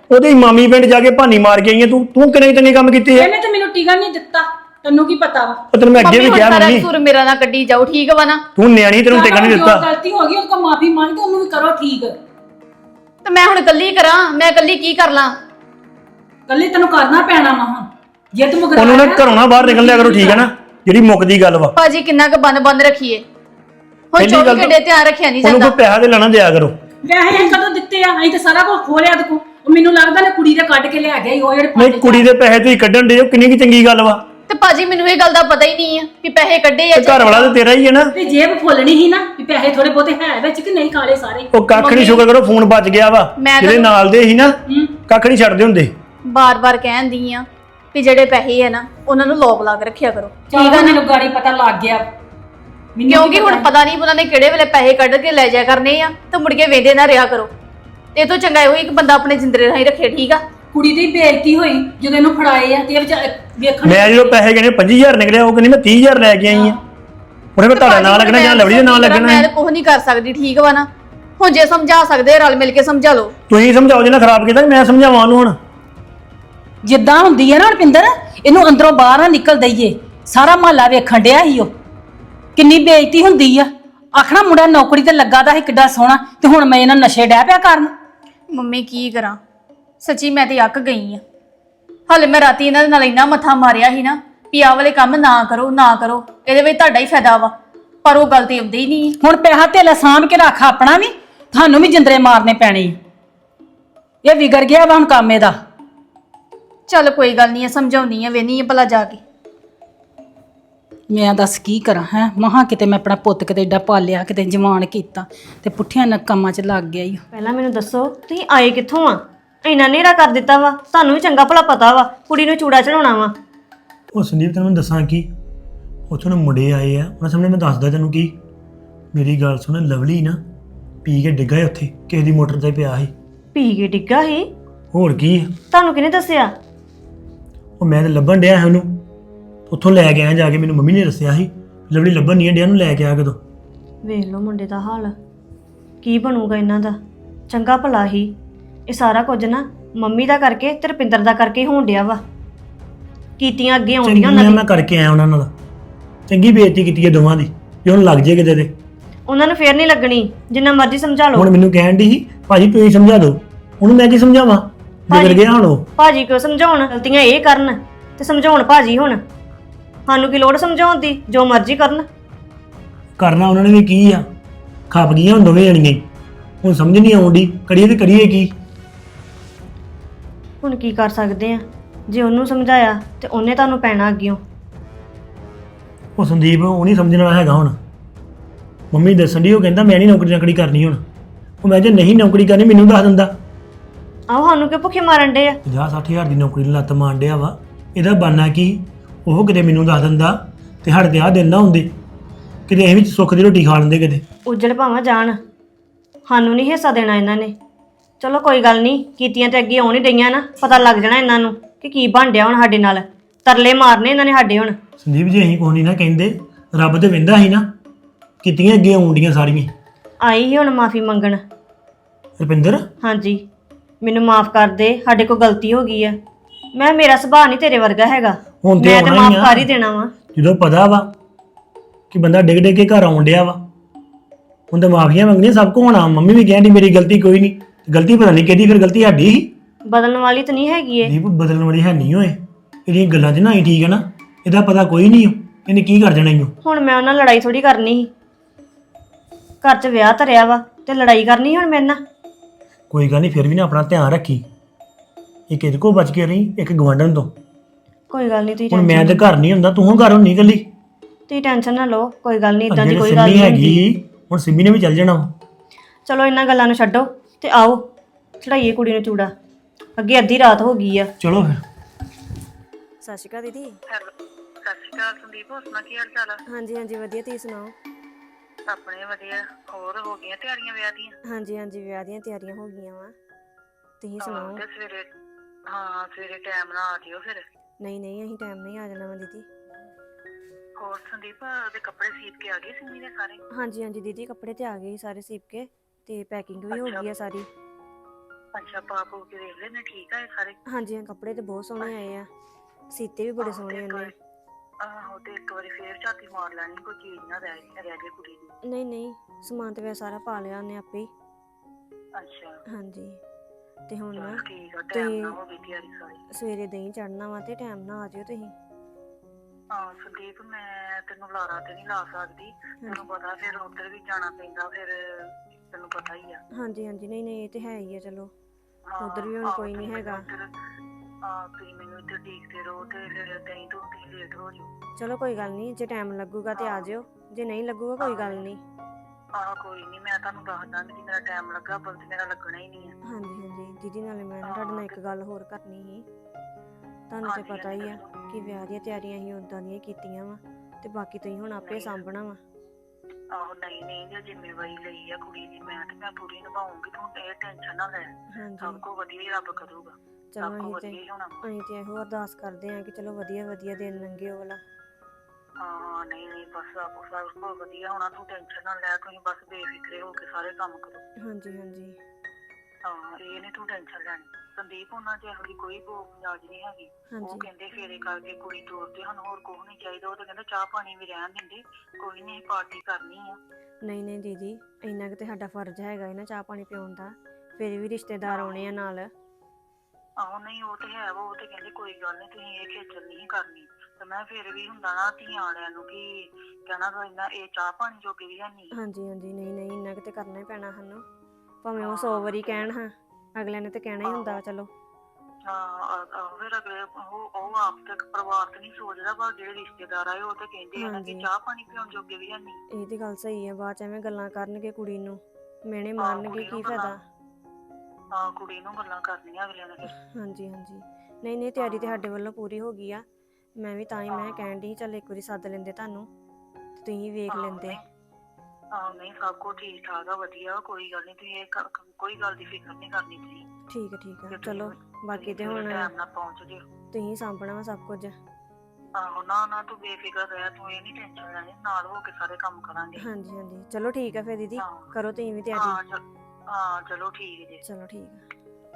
H: ਉਹਦੀ ਮਾਮੀ ਪਿੰਡ ਜਾ ਕੇ ਭਾਨੀ ਮਾਰ ਕੇ ਆਈ ਆ ਤੂੰ ਕਿੰਨੇ ਕੰਮ ਕੀਤੇ ਆ
D: ਇਹਨੇ ਤੇ ਮੈਨੂੰ ਟੀਕਾ ਨਹੀਂ ਦਿੱਤਾ, ਤੈਨੂੰ ਕੀ ਪਤਾ ਵਾ?
H: ਉਹ ਤੈਨੂੰ ਮੈਂ ਅੱਗੇ ਵੀ ਕਿਹਾ ਮੰਮੀ
C: ਸੁਰ ਮੇਰਾ ਨਾ ਕੱਢੀ ਜਾਓ, ਠੀਕ ਵਾ ਨਾ?
H: ਤੂੰ ਨਿਆਣੀ ਤੈਨੂੰ ਟਿਕਣ ਨਹੀਂ
D: ਜੋ
H: ਦਿੱਤਾ।
D: ਗਲਤੀ ਹੋ ਗਈ ਉਹਦੇ ਕੋਲ ਮਾਫੀ ਮੰਗ ਤੇ ਉਹਨੂੰ ਵੀ ਕਰੋ ਠੀਕ।
C: ਤੇ ਮੈਂ ਹੁਣ ਕੱਲੀ ਕਰਾਂ? ਮੈਂ ਕੱਲੀ ਕੀ ਕਰ ਲਾਂ?
D: ਕੱਲੀ ਤੈਨੂੰ ਕਰਨਾ ਪੈਣਾ ਵਾ ਹੁਣ, ਜੇ ਤੂੰ ਮਗਰ
H: ਉਹਨੂੰ ਨਾ ਘਰੋਂ ਨਾ ਬਾਹਰ ਨਿਕਲ ਲਿਆ ਕਰੋ, ਠੀਕ ਹੈ ਨਾ? ਜਿਹੜੀ ਮੁੱਕਦੀ ਗੱਲ ਵਾ
C: ਭਾਜੀ ਕਿੰਨਾ ਕੁ ਬੰਦ ਰੱਖੀਏ? ਹੁਣ
H: ਪਹਿਲੀ ਗੱਲ
C: 24 ਘੰਟੇ ਧਿਆਨ ਰੱਖਿਆ ਨਹੀਂ
H: ਉਹਨੂੰ
C: ਜਾਂਦਾ।
H: ਕੋਈ ਪੈਸਾ ਤੇ ਲੈਣਾ ਦਿਆ ਕਰੋ।
D: ਪੈਸੇ ਅਸੀਂ ਕਦੋਂ ਦਿੱਤੇ ਆ? ਅਸੀਂ ਤੇ ਸਾਰਾ ਕੁਝ ਖੋਲਿਆ ਤੇ ਮੈਨੂੰ ਲੱਗਦਾ ਨੇ ਕੁੜੀ ਦੇ ਕੱਢ ਕੇ ਲਿਆ ਗਿਆ ਉਹ ਜਿਹੜੇ
H: ਨਹੀਂ ਕੁੜੀ ਦੇ ਪੈਸੇ ਤੁਸੀਂ ਕੱਢਣ ਦੇ ਕਿੰਨੀ ਕੀ ਚੰਗੀ ਗੱਲ ਵਾ।
C: ਤੇ ਭਾਜੀ ਮੈਨੂੰ ਇਹ ਗੱਲ ਦਾ ਪਤਾ ਹੀ ਨਹੀਂ ਆ ਕਿ ਪੈਸੇ ਕੱਢੇ ਆ।
H: ਤੇ ਘਰ ਵਾਲਾ ਤੇ ਤੇਰਾ ਹੀ ਹੈ ਨਾ।
D: ਤੇ ਜੇਬ ਫੁੱਲਣੀ ਸੀ ਨਾ ਵੀ ਪੈਸੇ ਥੋੜੇ ਬਹੁਤੇ ਹੈ ਵਿੱਚ ਕਿ ਨਹੀਂ ਕਾਲੇ ਸਾਰੇ।
H: ਉਹ ਕੱਖ ਨਹੀਂ, ਸ਼ੁਕਰ ਕਰੋ ਫੋਨ ਬਚ ਗਿਆ ਵਾ।
C: ਮੈਂ
H: ਜਿਹੜੇ ਨਾਲ ਦੇ ਸੀ ਨਾ ਕੱਖ ਨਹੀਂ ਛੱਡਦੇ ਹੁੰਦੇ।
C: ਬਾਰ-ਬਾਰ ਕਹਿੰਦੀ ਆ ਕਿ ਜਿਹੜੇ ਪੈਸੇ ਆ ਨਾ ਉਹਨਾਂ ਨੂੰ ਲੋਕ ਲਾ ਕੇ ਰੱਖਿਆ ਕਰੋ,
D: ਠੀਕ ਆ? ਮੈਨੂੰ ਗਾੜੀ ਪਤਾ ਲੱਗ ਗਿਆ
C: ਕਿਉਂਕਿ ਹੁਣ ਪਤਾ ਨਹੀਂ ਉਹਨਾਂ ਨੇ ਕਿਹੜੇ ਵੇਲੇ ਪੈਸੇ ਕੱਢ ਕੇ ਲੈ ਜਾਇਆ ਕਰਨੇ ਆ ਤੇ ਮੁੜ ਕੇ ਵੇਂਦੇ ਨਾ ਰਿਹਾ ਕਰੋ। ਇਹ ਤੋਂ ਚੰਗਾ ਇਹੋ ਹੀ ਕਿ ਬੰਦਾ ਆਪਣੇ ਜਿੰਦਰੇ ਰਾਹੀਂ ਰੱਖੇ, ਠੀਕ ਆ?
D: ਕੁੜੀ ਦੀ ਬੇਇੱਜ਼ਤੀ ਹੋਈ ਜਦੋਂ ਇਹਨੂੰ ਫੜਾਏ ਆ ਤੇ ਇਹ ਵੇਖਣ
H: ਮੈਂ ਜਦੋਂ ਪੈਸੇ ਕਹਿੰਦੇ 25000 ਨਿਕਲਿਆ ਉਹ ਕਹਿੰਦੀ ਮੈਂ 30000 ਲੈ ਕੇ ਆਈ ਆ। ਉਹਨੇ ਫਿਰ ਤੁਹਾਡਾ ਨਾਂ ਲੱਗਣਾ ਜਾਂ ਲਵੜੀ ਦਾ ਨਾਂ ਲੱਗਣਾ।
C: ਮੈਂ ਕੁਝ ਨਹੀਂ ਕਰ ਸਕਦੀ, ਠੀਕ ਵਾ ਨਾ? ਹੁਣ ਜੇ ਸਮਝਾ ਸਕਦੇ ਰਲ ਮਿਲ ਕੇ ਸਮਝਾ ਲਓ।
H: ਤੁਸੀਂ ਸਮਝਾਓ ਜਿਹਨਾਂ ਖਰਾਬ ਕੀਤਾ, ਮੈਂ ਸਮਝਾਵਾਂ ਉਹਨੂੰ ਹੁਣ।
A: ਜਿੱਦਾਂ ਹੁੰਦੀ ਹੈ ਨਾ ਰੁਪਿੰਦਰ, ਇਹਨੂੰ ਅੰਦਰੋਂ ਬਾਹਰ ਨਾ ਨਿਕਲ ਦਈਏ। ਸਾਰਾ ਮਹੱਲਾ ਵੇਖਣ ਡਿਆ ਸੀ, ਉਹ ਕਿੰਨੀ ਬੇਇੱਜ਼ਤੀ ਹੁੰਦੀ ਆ। ਆਖਣਾ ਮੁੰਡਾ ਨੌਕਰੀ ਤੇ ਲੱਗਾ ਦਾ ਸੀ ਕਿੱਡਾ ਸੋਹਣਾ, ਤੇ ਹੁਣ ਮੈਂ ਇਹਨਾਂ ਨਸ਼ੇ ਡਹਿ ਪਿਆ ਕਰਨ।
C: ਮੰਮੀ ਕੀ ਕਰਾਂ, ਸੱਚੀ ਮੈਂ ਤੇ ਅੱਕ ਗਈ ਆ। ਹਲੇ ਮੈਂ ਰਾਤੀ ਇਹਨਾਂ ਦੇ ਨਾਲ ਇੰਨਾ ਮੱਥਾ ਮਾਰਿਆ ਸੀ ਨਾ ਵੀ ਆਹ ਵਾਲੇ ਕੰਮ ਨਾ ਕਰੋ ਨਾ ਕਰੋ, ਇਹਦੇ ਵਿੱਚ ਤੁਹਾਡਾ ਹੀ ਫਾਇਦਾ ਵਾ, ਪਰ ਉਹ ਗੱਲ ਤੇ ਆਉਂਦੀ ਹੀ ਨਹੀਂ।
A: ਹੁਣ ਪੈਸਾ ਧੇਲਾ ਸਾਂਭ ਕੇ ਰੱਖ ਆਪਣਾ ਵੀ, ਤੁਹਾਨੂੰ ਵੀ ਜਿੰਦਰੇ ਮਾਰਨੇ ਪੈਣੇ ਆ। ਇਹ ਵਿਗੜ ਗਿਆ ਵਾ ਹੁਣ ਕੰਮ ਇਹਦਾ।
C: ਚੱਲ ਕੋਈ ਗੱਲ ਨਹੀਂ, ਸਮਝਾਉਣੀ ਆ, ਵੇਨੀ ਆ ਭਲਾ ਜਾ ਕੇ।
A: ਮੈਂ ਦੱਸ ਕੀ ਕਰਾਂ ਹੈ? ਮਹਾ ਕਿਤੇ ਮੈਂ ਆਪਣਾ ਪੁੱਤ ਕਿਤੇ ਏਡਾ ਪਾਲਿਆ, ਕਿਤੇ ਜਵਾਨ ਕੀਤਾ, ਤੇ ਪੁੱਠਿਆਂ ਨੱਕਾਮਾਂ 'ਚ ਲੱਗ ਗਿਆ ਈ।
E: ਪਹਿਲਾਂ ਮੈਨੂੰ ਦੱਸੋ ਤੁਸੀਂ ਆਏ ਕਿੱਥੋਂ ਆ? ਇੰਨਾ ਨੇੜਾ ਕਰ ਦਿੱਤਾ ਵਾ, ਤੁਹਾਨੂੰ ਵੀ ਚੰਗਾ ਭਲਾ ਪਤਾ ਵਾ ਕੁੜੀ ਨੂੰ ਚੂੜਾ ਚੜਾਉਣਾ ਵਾ।
H: ਉਹ ਸੰਦੀਪ ਤੈਨੂੰ ਦੱਸਾਂ ਕੀ, ਉੱਥੋਂ ਮੁੰਡੇ ਆਏ ਆ, ਉਹਨਾਂ ਸਾਹਮਣੇ ਮੈਂ ਦੱਸਦਾ ਤੈਨੂੰ ਕੀ। ਮੇਰੀ ਗੱਲ ਸੁਣ, ਲਵਲੀ ਨਾ ਪੀ ਕੇ ਡਿੱਗਾ ਉੱਥੇ ਕਿਸੇ ਦੀ ਮੋਟਰ ਤੇ ਪਿਆ ਸੀ।
E: ਪੀ ਕੇ ਡਿੱਗਾ ਸੀ?
H: ਹੋਰ ਕੀ,
E: ਤੁਹਾਨੂੰ ਕਿਹਨੇ ਦੱਸਿਆ?
H: ਉਹ ਮੈਂ ਤਾਂ ਲੱਭਣ ਡਿਆ ਉਹਨੂੰ, ਉੱਥੋਂ ਲੈ ਕੇ ਆਇਆ ਜਾ ਕੇ। ਮੈਨੂੰ ਮੰਮੀ ਨੇ ਦੱਸਿਆ ਸੀ ਲਵਲੀ ਲੱਭਣ ਨਹੀਂ ਡਿਆ, ਉਹਨੂੰ ਲੈ ਕੇ ਆ ਕਦੋਂ।
E: ਵੇਖ ਲਓ ਮੁੰਡੇ ਦਾ ਹਾਲ, ਕੀ ਬਣੂਗਾ ਇਹਨਾਂ ਦਾ? ਚੰਗਾ ਭਲਾ ਹੀ ਇਹ ਸਾਰਾ ਕੁਝ ਨਾ ਮੰਮੀ ਦਾ ਕਰਕੇ ਤੇ ਰੁਪਿੰਦਰ ਦਾ ਕਰਕੇ ਹੋਣ ਡਿਆ ਵਾ। ਕੀਤੀਆਂ ਅੱਗੇ ਆਉਂਦੀਆਂ ਉਹਨਾਂ
H: ਚੰਗੀ
E: ਦੀ।
H: ਮੈਂ ਕਰਕੇ ਆਇਆ ਉਹਨਾਂ ਨਾਲ, ਚੰਗੀ ਬੇਇੱਜ਼ਤੀ ਕੀਤੀ ਹੈ ਦੋਵਾਂ ਦੀ। ਜੇ ਹੁਣ ਲੱਗ ਜੇ ਕਿਤੇ ਤੇ
E: ਉਹਨਾਂ ਨੂੰ ਫੇਰ ਨਹੀਂ ਲੱਗਣੀ, ਜਿੰਨਾ ਮਰਜ਼ੀ ਸਮਝਾ ਲਓ।
H: ਹੁਣ ਮੈਨੂੰ ਕਹਿਣ ਦੀ ਸੀ ਭਾਜੀ ਤੁਸੀਂ ਸਮਝਾ ਦਿਓ, ਉਹਨੂੰ ਮੈਂ ਕੀ ਸਮਝਾਵਾਂ? ਵਿਗੜ ਗਿਆ ਹੁਣ ਉਹ।
E: ਭਾਜੀ ਕਿਉਂ ਸਮਝਾਉਣ? ਗਲਤੀਆਂ ਇਹ ਕਰਨ ਤੇ ਸਮਝਾਉਣ ਭਾਜੀ। ਹੁਣ ਸਾਨੂੰ ਕੀ ਲੋੜ ਸਮਝਾਉਣ ਦੀ? ਜੋ ਮਰਜ਼ੀ ਕਰਨ।
H: ਕਰਨਾ ਉਹਨਾਂ ਨੇ ਵੀ ਕੀ ਆ, ਖੱਪ ਗਈਆਂ ਹੁਣ ਦੋਵੇਂ ਜਣੀਆਂ ਹੀ। ਹੁਣ ਸਮਝ ਨਹੀਂ ਆਉਂਦੀ ਕਰੀਏ ਤੇ ਕਰੀਏ ਕੀ।
E: ਹੁਣ ਕੀ ਕਰ ਸਕਦੇ ਆ? ਜੇ ਉਹਨੂੰ ਸਮਝਾਇਆ ਤੇ ਉਹਨੇ ਤੁਹਾਨੂੰ ਪੈਣਾ ਅੱਗਿਓਂ।
H: ਉਹ ਸੰਦੀਪ ਉਹ ਨਹੀਂ ਸਮਝਣ ਵਾਲਾ ਹੈਗਾ ਹੁਣ। ਮੰਮੀ ਦੱਸਣ ਦੀ ਉਹ ਕਹਿੰਦਾ ਮੈਂ ਨਹੀਂ ਨੌਕਰੀ ਕਰਨੀ ਹੁਣ। ਉਹ ਮੈਂ ਜੇ ਨਹੀਂ ਨੌਕਰੀ ਕਰਨੀ ਮੈਨੂੰ ਦੱਸ ਦਿੰਦਾ।
E: ਆਹੋ ਸਾਨੂੰ ਕਿਉਂ ਭੁੱਖੇ ਮਾਰਨ ਡੇ ਆ?
H: 50-60 ਹਜ਼ਾਰ ਦੀ ਨੌਕਰੀ ਨੂੰ ਲੱਤ ਮਾਰਨ ਡਿਆ ਵਾ। ਇਹਦਾ ਬਾਨਾ ਕੀ? ਉਹ ਕਿਤੇ ਮੈਨੂੰ ਦੱਸ ਦਿੰਦਾ ਤੇ ਸਾਡੇ ਤੇ ਆਹ ਦਿਨ ਨਾ ਹੁੰਦੇ, ਕਿਤੇ ਅਸੀਂ ਵੀ ਸੁੱਖ ਦੀ ਰੋਟੀ ਖਾ ਲੈਂਦੇ ਕਿਤੇ।
E: ਉੱਜੜ ਭਾਵਾਂ ਜਾਣ, ਸਾਨੂੰ ਨਹੀਂ ਹਿੱਸਾ ਦੇਣਾ ਇਹਨਾਂ ਨੇ। ਚਲੋ ਕੋਈ ਗੱਲ ਨਹੀਂ, ਕੀਤੀਆਂ ਤੇ ਅੱਗੇ ਆਉਣ ਹੀ ਡਈਆਂ ਨਾ, ਪਤਾ ਲੱਗ ਜਾਣਾ ਇਹਨਾਂ ਨੂੰ ਕਿ ਕੀ ਬਣ ਡਿਆ ਹੁਣ ਸਾਡੇ ਨਾਲ। ਤਰਲੇ ਮਾਰਨੇ ਇਹਨਾਂ ਨੇ ਸਾਡੇ ਹੁਣ।
H: ਸੰਦੀਪ ਜੀ ਅਸੀਂ ਕੋਈ ਨਹੀਂ ਨਾ ਕਹਿੰਦੇ, ਰੱਬ ਤੇ ਵਿੰਦਾ ਸੀ ਨਾ, ਕੀਤੀਆਂ ਅੱਗੇ ਆਉਂਦੀਆਂ ਸਾਰੀਆਂ।
E: ਆਈ ਹੀ ਹੁਣ ਮਾਫੀ ਮੰਗਣ।
H: ਰੁਪਿੰਦਰ
E: ਹਾਂਜੀ ਮੈਨੂੰ ਮਾਫ ਕਰ ਦੇ, ਸਾਡੇ ਕੋਲ ਗਲਤੀ ਹੋ ਗਈ ਆ। ਮੇਰਾ ਸੁਭਾਅ ਨਹੀਂ ਤੇਰੇ ਵਰਗਾ ਹੈਗਾ,
H: ਹੁਣ ਤੇ
E: ਮੈਂ ਤੇ
H: ਆਉਣਾ
E: ਮਾਫ
H: ਹੀ ਆ।
E: ਕਰ ਹੀ ਦੇਣਾ ਵਾ।
H: ਜਦੋਂ ਪਤਾ ਵਾ ਕਿ ਬੰਦਾ ਡਿੱਗ ਡਿੱਗ ਕੇ ਘਰ ਆਉਣ ਡਿਆ ਵਾ, ਹੁਣ ਤਾਂ ਮਾਫੀਆਂ ਮੰਗਣੀਆਂ ਸਭ ਕੋ ਹੋਣਾ। ਮੰਮੀ ਵੀ ਕਹਿੰਦੀ ਮੇਰੀ ਗਲਤੀ ਕੋਈ ਨਹੀਂ, ਗਲਤੀ ਪਤਾ ਨਹੀਂ ਕਿਹਦੀ, ਫਿਰ ਗਲਤੀ ਸਾਡੀ ਸੀ।
E: ਬਦਲਣ ਵਾਲੀ ਤਾਂ ਨਹੀਂ ਹੈਗੀ ਇਹ।
H: ਦੀਪ ਬਦਲਣ ਵਾਲੀ ਹੈ ਨਹੀਂ ਓਏ, ਇਹਦੀਆਂ ਗੱਲਾਂ 'ਚ ਨਾ ਹੀ ਠੀਕ ਹੈ ਨਾ, ਇਹਦਾ ਪਤਾ ਕੋਈ ਨਹੀਂ ਇਹਨੇ ਕੀ ਕਰ ਜਾਣਾ ਇਹਨੂੰ।
E: ਹੁਣ ਮੈਂ ਉਹਨਾਂ ਨਾਲ ਲੜਾਈ ਥੋੜੀ ਕਰਨੀ ਸੀ, ਘਰ 'ਚ ਵਿਆਹ ਧਰਿਆ ਵਾ ਤੇ ਲੜਾਈ ਕਰਨੀ ਹੁਣ ਮੇਰੇ ਨਾਲ।
H: ਕੋਈ ਗੱਲ ਨਹੀਂ, ਫਿਰ ਵੀ ਨਾ ਆਪਣਾ ਧਿਆਨ ਰੱਖੀ। ਇੱਕ ਇਹਦੇ ਕੋਲ ਬਚ ਕੇ ਰਹੀ, ਇੱਕ ਗਵਾਂਢਣ ਤੋਂ।
E: ਕੋਈ ਗੱਲ ਨਹੀਂ,
H: ਹੁਣ ਮੈਂ ਤੇ ਘਰ ਨਹੀਂ ਹੁੰਦਾ, ਤੂੰ ਘਰ ਹੁੰਨੀ ਇਕੱਲੀ।
E: ਤੁਸੀਂ ਟੈਨਸ਼ਨ ਨਾ ਲਓ, ਕੋਈ ਗੱਲ ਨਹੀਂ, ਇਦਾਂ ਦੀ
H: ਜਿਹੜੀ
E: ਕੋਈ ਗੱਲ
H: ਸਿੰਮੀ
E: ਨਹੀਂ ਹੁੰਦੀ।
H: ਹੈਗੀ, ਹੁਣ ਸਿੰਮੀ ਨੇ ਵੀ ਚੱਲ ਜਾਣਾ ਵਾ।
E: ਚਲੋ ਇਹਨਾਂ ਗੱਲਾਂ ਨੂੰ ਛੱਡੋ ਤੇ ਆਓ ਚੜਾਈਏ ਕੁੜੀ ਨੂੰ ਚੂੜਾ, ਅੱਗੇ ਅੱਧੀ ਰਾਤ ਹੋ ਗਈ ਆ।
H: ਚਲੋ ਫਿਰ।
E: ਸਤਿ ਸ਼੍ਰੀ ਅਕਾਲ ਦੀਦੀ।
J: ਹੈਲੋ, ਸਤਿ ਸ਼੍ਰੀ ਅਕਾਲ ਸੰਦੀਪ, ਹੋਰ ਸੁਣਾ ਕੀ ਹਾਲ ਚਾਲ ਆ?
E: ਹਾਂਜੀ ਹਾਂਜੀ ਵਧੀਆ, ਤੁਸੀਂ ਸੁਣਾਓ?
J: ਆਪਣੇ ਵਧੀਆ। ਹੋਰ ਹੋ ਗਈਆਂ ਤਿਆਰੀਆਂ ਵਿਆਹ ਦੀਆਂ?
E: ਹਾਂਜੀ ਹਾਂਜੀ ਵਿਆਹ ਦੀਆਂ ਤਿਆਰੀਆਂ ਹੋ ਗਈਆਂ ਵਾ, ਤੁਸੀਂ ਸੁਣਾਓ?
J: ਤੇ ਸਵੇਰੇ, ਹਾਂ ਸਵੇਰੇ ਟਾਈਮ ਨਾਲ ਆ ਜਿਓ ਫਿਰ।
E: ਨਹੀਂ ਨਹੀਂ ਅਸੀਂ ਟਾਈਮ ਨਹੀਂ ਆ ਜਾਣਾ ਵਾ ਦੀਦੀ।
J: ਹੋਰ ਸੰਦੀਪ ਦੇ ਕੱਪੜੇ ਸੀਪ ਕੇ ਆ ਗਏ ਸਿੰਮੀ ਨੇ ਸਾਰੇ?
E: ਹਾਂਜੀ ਹਾਂਜੀ ਦੀਦੀ ਕੱਪੜੇ ਤੇ ਆ ਗਏ ਸਾਰੇ ਸੀਪ ਕੇ, ਤੇ ਪੈਕਿੰਗ ਵੀ ਹੋ ਗਈ ਆ ਸਾਰੀ।
J: ਅੱਛਾ ਪਾਪੂ ਕੇ ਵੇਖ ਲੈਣੇ ਠੀਕ ਆ ਇਹ ਸਾਰੇ?
K: ਹਾਂਜੀ ਹਾਂ, ਕੱਪੜੇ ਤੇ ਬਹੁਤ ਸੋਹਣੇ ਆਏ ਆ, ਸੀਤੇ ਵੀ ਬੜੇ ਸੋਹਣੇ ਉਹਨੇ।
J: ਆਹੋ ਤੇ ਇੱਕ ਵਾਰੀ ਫੇਰ ਝਾਤੀ ਮਾਰ ਲੈਣੀ, ਕੋਈ ਚੀਜ਼ ਨਾ ਰਹਿ ਜੇ ਕੁੜੀ ਦੀ।
K: ਨਹੀਂ ਨਹੀਂ, ਸਮਾਨ ਤੇ ਵੈਸੇ ਸਾਰਾ ਪਾ ਲਿਆ ਉਹਨੇ ਆਪੇ ਹੀ।
J: ਅੱਛਾ
K: ਹਾਂਜੀ, ਤੇ ਹੁਣ ਨਾ
J: ਚਲ ਠੀਕ ਆ, ਟਾਈਮ ਨਾ ਹੋ ਗਈ ਤਿਆਰੀ ਸਾਰੀ।
K: ਸਵੇਰੇ ਦਹੀਂ ਚੜਨਾ ਵਾ ਤੇ ਟਾਈਮ ਨਾਲ ਆ ਜਿਓ ਤੁਸੀਂ।
J: ਹਾਂ ਸੰਦੀਪ, ਮੈਂ ਤੈਨੂੰ ਲਾਰਾ ਤੇ ਨਹੀਂ ਲਾ ਸਕਦੀ, ਤੈਨੂੰ ਪਤਾ ਫਿਰ ਉੱਧਰ ਵੀ ਜਾਣਾ ਪੈਂਦਾ, ਫਿਰ ਤੈਨੂੰ ਪਤਾ ਹੀ ਆ।
K: ਹਾਂਜੀ ਹਾਂਜੀ, ਨਹੀਂ ਨਹੀਂ ਇਹ ਤੇ ਹੈ ਹੀ ਆ, ਚਲੋ
J: ਹਾਂ,
K: ਉਧਰ ਵੀ ਹੁਣ
J: ਆਹੋ,
K: ਕੋਈ ਨਹੀਂ
J: ਤੁਸੀਂ
K: ਹੈਗਾ।
J: ਤੁਸੀਂ ਮੈਨੂੰ ਇੱਧਰ ਦੇਖਦੇ ਰਹੋ ਤੇ ਫਿਰ ਦਹੀਂ ਤੋਂ ਲੇਟ ਹੋ ਜਾਓ।
K: ਚਲੋ ਕੋਈ ਗੱਲ ਨਹੀਂ, ਜੇ ਟਾਈਮ ਲੱਗੂਗਾ ਤੇ ਆ ਜਿਓ, ਜੇ ਨਹੀਂ ਲੱਗੂਗਾ ਕੋਈ ਗੱਲ ਨਹੀਂ।
J: ਆਹ ਕੋਈ ਨਹੀਂ, ਮੈਂ ਤੁਹਾਨੂੰ ਦੱਸ ਦਾਂਗੀ ਜੇ ਮੇਰਾ ਟਾਈਮ ਲੱਗਾ, ਬਲਕਿ ਮੇਰਾ ਲੱਗਣਾ ਹੀ ਨਹੀਂ ਆ।
K: ਹਾਂਜੀ ਹਾਂਜੀ ਦੀਦੀ, ਨਾਲੇ ਮੈਂ ਨਾ ਤੁਹਾਡੇ ਨਾਲ ਇੱਕ ਗੱਲ ਹੋਰ ਕਰਨੀ ਸੀ। ਤੁਹਾਨੂੰ ਤੇ ਪਤਾ ਹੀ ਆ ਕਿ ਵਿਆਹ ਦੀਆਂ ਤਿਆਰੀਆਂ ਅਸੀਂ ਉਦਾਂ ਦੀਆਂ ਕੀਤੀਆਂ ਵਾ, ਤੇ ਬਾਕੀ ਤੁਸੀਂ ਹੁਣ ਆਪੇ ਸਾਂਭਣਾ ਵਾ।
J: ਆਹੋ ਨਹੀਂ ਨਹੀਂ, ਜੇ ਜ਼ਿੰਮੇਵਾਰੀ ਲਈ ਆ ਕੁੜੀ ਦੀ ਮੈਂ ਤੇ ਮੈਂ ਪੂਰੀ ਨਿਭਾਉਂਗੀ, ਤੂੰ ਇਹ ਟੈਨਸ਼ਨ ਨਾ ਲੈ।
K: ਹਾਂਜੀ
J: ਸਭ ਕੁਝ ਵਧੀਆ ਹੀ ਰੱਬ ਕਰੂਗਾ।
K: ਚਲੋ
J: ਸਭ ਕੁਝ
K: ਅਸੀਂ
J: ਵਧੀਆ ਹੀ ਹੋਣਾ।
K: ਤੇ ਇਹੋ ਅਰਦਾਸ ਕਰਦੇ ਆ ਕਿ ਚਲੋ ਵਧੀਆ ਵਧੀਆ ਦਿਨ ਲੰਘੇ ਉਹ ਵਾਲਾ।
J: ਹਾਂ ਨਹੀਂ ਨਹੀਂ, ਬਸ ਸਭ ਕੁਝ ਵਧੀਆ ਹੋਣਾ, ਤੂੰ ਟੈਨਸ਼ਨ ਨਾ ਲੈ, ਤੁਸੀਂ ਬਸ ਬੇਫਿਕਰੇ ਹੋ ਕੇ ਸਾਰੇ ਕੰਮ ਕਰੋ।
K: ਹਾਂਜੀ ਹਾਂਜੀ
J: ਹਾਂ, ਇਹ ਨਹੀਂ ਤੂੰ ਟੈਨਸ਼ਨ ਲੈਣੀ। ਸੰਦੀਪ, ਉਹਨਾਂ ਚ ਇਹੋ ਜਿਹੀ ਕੋਈ ਬੋਝ ਨਹੀਂ ਹੈਗੀ। ਉਹ ਕਹਿੰਦੇ ਫੇਰੇ ਕਰਕੇ ਕੁੜੀ ਤੋਰਦੇ, ਸਾਨੂੰ ਹੋਰ ਕੁਝ ਨਹੀਂ ਚਾਹੀਦਾ। ਉਹ ਤਾਂ ਕਹਿੰਦੇ ਚਾਹ ਪਾਣੀ ਵੀ ਰਹਿਣ ਦਿੰਦੇ, ਕੋਈ ਨਹੀਂ ਪਾਰਟੀ ਕਰਨੀ ਆ।
K: ਨਹੀਂ ਨਹੀਂ ਦੀਦੀ, ਇੰਨਾ ਕੁ ਤੇ ਸਾਡਾ ਫਰਜ਼ ਹੈਗਾ ਹੈ ਨਾ ਚਾਹ ਪਾਣੀ ਪਿਆਉਣ ਦਾ, ਫਿਰ ਵੀ ਰਿਸ਼ਤੇਦਾਰ ਆਉਣੇ ਆ ਨਾਲ।
J: ਆਹੋ ਨਹੀਂ, ਉਹ ਤੇ ਹੈ ਵਾ, ਉਹ ਤੇ ਕਹਿੰਦੇ ਕੋਈ ਗੱਲ ਨਹੀਂ, ਤੁਸੀਂ ਇਹ ਖੇਚਲ ਨਹੀਂ ਕਰਨੀ। ਤੇ ਮੈਂ ਫਿਰ ਵੀ ਹੁੰਦਾ ਨਾ ਧੀਆਂ ਵਾਲਿਆਂ ਨੂੰ ਕਿ ਕਹਿਣਾ ਤਾਂ ਇੰਨਾ ਇਹ ਚਾਹ ਪਾਣੀ ਜੋਗੇ ਵੀ ਹੈ ਨਹੀਂ।
K: ਹਾਂਜੀ ਹਾਂਜੀ, ਨਹੀਂ ਨਹੀਂ, ਇੰਨਾ ਕੁ ਤੇ ਕਰਨਾ ਹੀ ਪੈਣਾ ਸਾਨੂੰ, ਭਾਵੇਂ ਉਹ 100 ਵਾਰੀ ਕਹਿਣ। ਹਾਂ, ਅਗਲਿਆਂ ਨੇ ਤੇ ਕਹਿਣਾ ਹੀ ਹੁੰਦਾ। ਚਲੋ
J: ਹਾਂ, ਫਿਰ ਅਗਲੇ ਉਹ ਆਪ ਤੱਕ ਪਰਿਵਾਰ ਤੇ ਨਹੀਂ ਸੋਚਦਾ, ਪਰ ਜਿਹੜੇ ਰਿਸ਼ਤੇਦਾਰ ਆਏ ਉਹ ਤੇ ਕਹਿੰਦੇ ਆ ਕਿ ਚਾਹ ਪਾਣੀ ਪਿਆਉਣ ਜੋਗੇ ਵੀ ਹੈ ਨਹੀਂ।
K: ਇਹ ਤੇ ਗੱਲ ਸਹੀ ਹੈ, ਬਾਅਦ ਚ ਐਵੇਂ ਗੱਲਾਂ ਕਰਨਗੇ ਕੁੜੀ ਨੂੰ, ਮਿਹਣੇ ਮਾਰਨਗੇ, ਕੀ ਫਾਇਦਾ।
J: ਹਾਂ, ਕੁੜੀ ਨੂੰ ਗੱਲਾਂ ਕਰਨੀਆਂ ਅਗਲਿਆਂ ਨੇ ਫਿਰ।
K: ਹਾਂਜੀ ਹਾਂਜੀ, ਨਹੀਂ ਨਹੀਂ, ਤਿਆਰੀ ਤੇ ਸਾਡੇ ਵੱਲੋਂ ਪੂਰੀ ਹੋ ਗਈ ਆ। ਮੈਂ ਵੀ ਤਾਂ ਹੀ ਮੈਂ ਕਹਿਣ ਡਈ ਚੱਲ ਇੱਕ ਵਾਰੀ ਸੱਦ ਲੈਂਦੇ ਤੁਹਾਨੂੰ, ਤੇ ਤੁਸੀਂ ਵੇਖ ਲੈਂਦੇ।
J: ਆਹੋ ਨਹੀਂ, ਸਭ ਕੁਝ ਠੀਕ ਠਾਕ ਆ, ਵਧੀਆ, ਕੋਈ ਗੱਲ ਨਹੀਂ, ਤੁਸੀਂ ਕੋਈ ਗੱਲ ਦੀ ਫਿਕਰ ਨਹੀਂ ਕਰਨੀ ਤੁਸੀਂ।
K: ਠੀਕ ਹੈ ਠੀਕ ਹੈ, ਚਲੋ ਬਾਕੀ ਤੇ ਹੁਣ
J: ਟਾਈਮ ਨਾਲ ਪਹੁੰਚ ਜਿਓ।
K: ਤੁਸੀਂ ਸਾਂਭਣਾ ਵਾ ਸਭ ਕੁਝ।
J: ਆਹੋ ਨਾ ਨਾ, ਤੂੰ ਬੇਫਿਕਰ ਰਹਿ, ਤੂੰ ਇਹ ਨਹੀਂ ਟੈਨਸ਼ਨ ਲੈਣੀ, ਨਾਲ ਹੋ ਕੇ ਸਾਰੇ ਕੰਮ ਕਰਾਂਗੇ।
K: ਹਾਂਜੀ ਹਾਂਜੀ, ਚਲੋ ਠੀਕ ਆ ਫਿਰ ਦੀਦੀ, ਕਰੋ ਤੁਸੀਂ ਵੀ ਤਿਆਰੀ।
J: ਹਾਂ ਚਲੋ ਠੀਕ ਜੀ।
K: ਚਲੋ ਠੀਕ ਆ।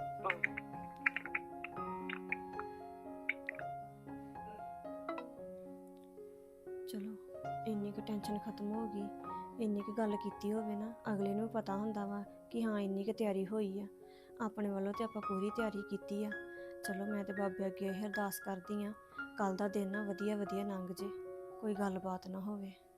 K: ਚਲੋ ਇੰਨੀ ਕੁ ਟੈਨਸ਼ਨ ਖਤਮ ਹੋ ਗਈ, ਇੰਨੀ ਕੁ ਗੱਲ ਕੀਤੀ ਹੋਵੇ ਨਾ, ਅਗਲੇ ਨੂੰ ਪਤਾ ਹੁੰਦਾ ਵਾ ਕਿ ਹਾਂ ਇੰਨੀ ਕੁ ਤਿਆਰੀ ਹੋਈ ਆ। ਆਪਣੇ ਵੱਲੋਂ ਤੇ ਆਪਾਂ ਪੂਰੀ ਤਿਆਰੀ ਕੀਤੀ ਆ। ਚਲੋ ਮੈਂ ਤੇ ਬਾਬੇ ਅੱਗੇ ਇਹ ਅਰਦਾਸ ਕਰਦੀ ਆ, ਕੱਲ ਦਾ ਦਿਨ ਨਾ ਵਧੀਆ ਵਧੀਆ ਲੰਘ ਜੇ, ਕੋਈ ਗੱਲਬਾਤ ਨਾ ਹੋਵੇ।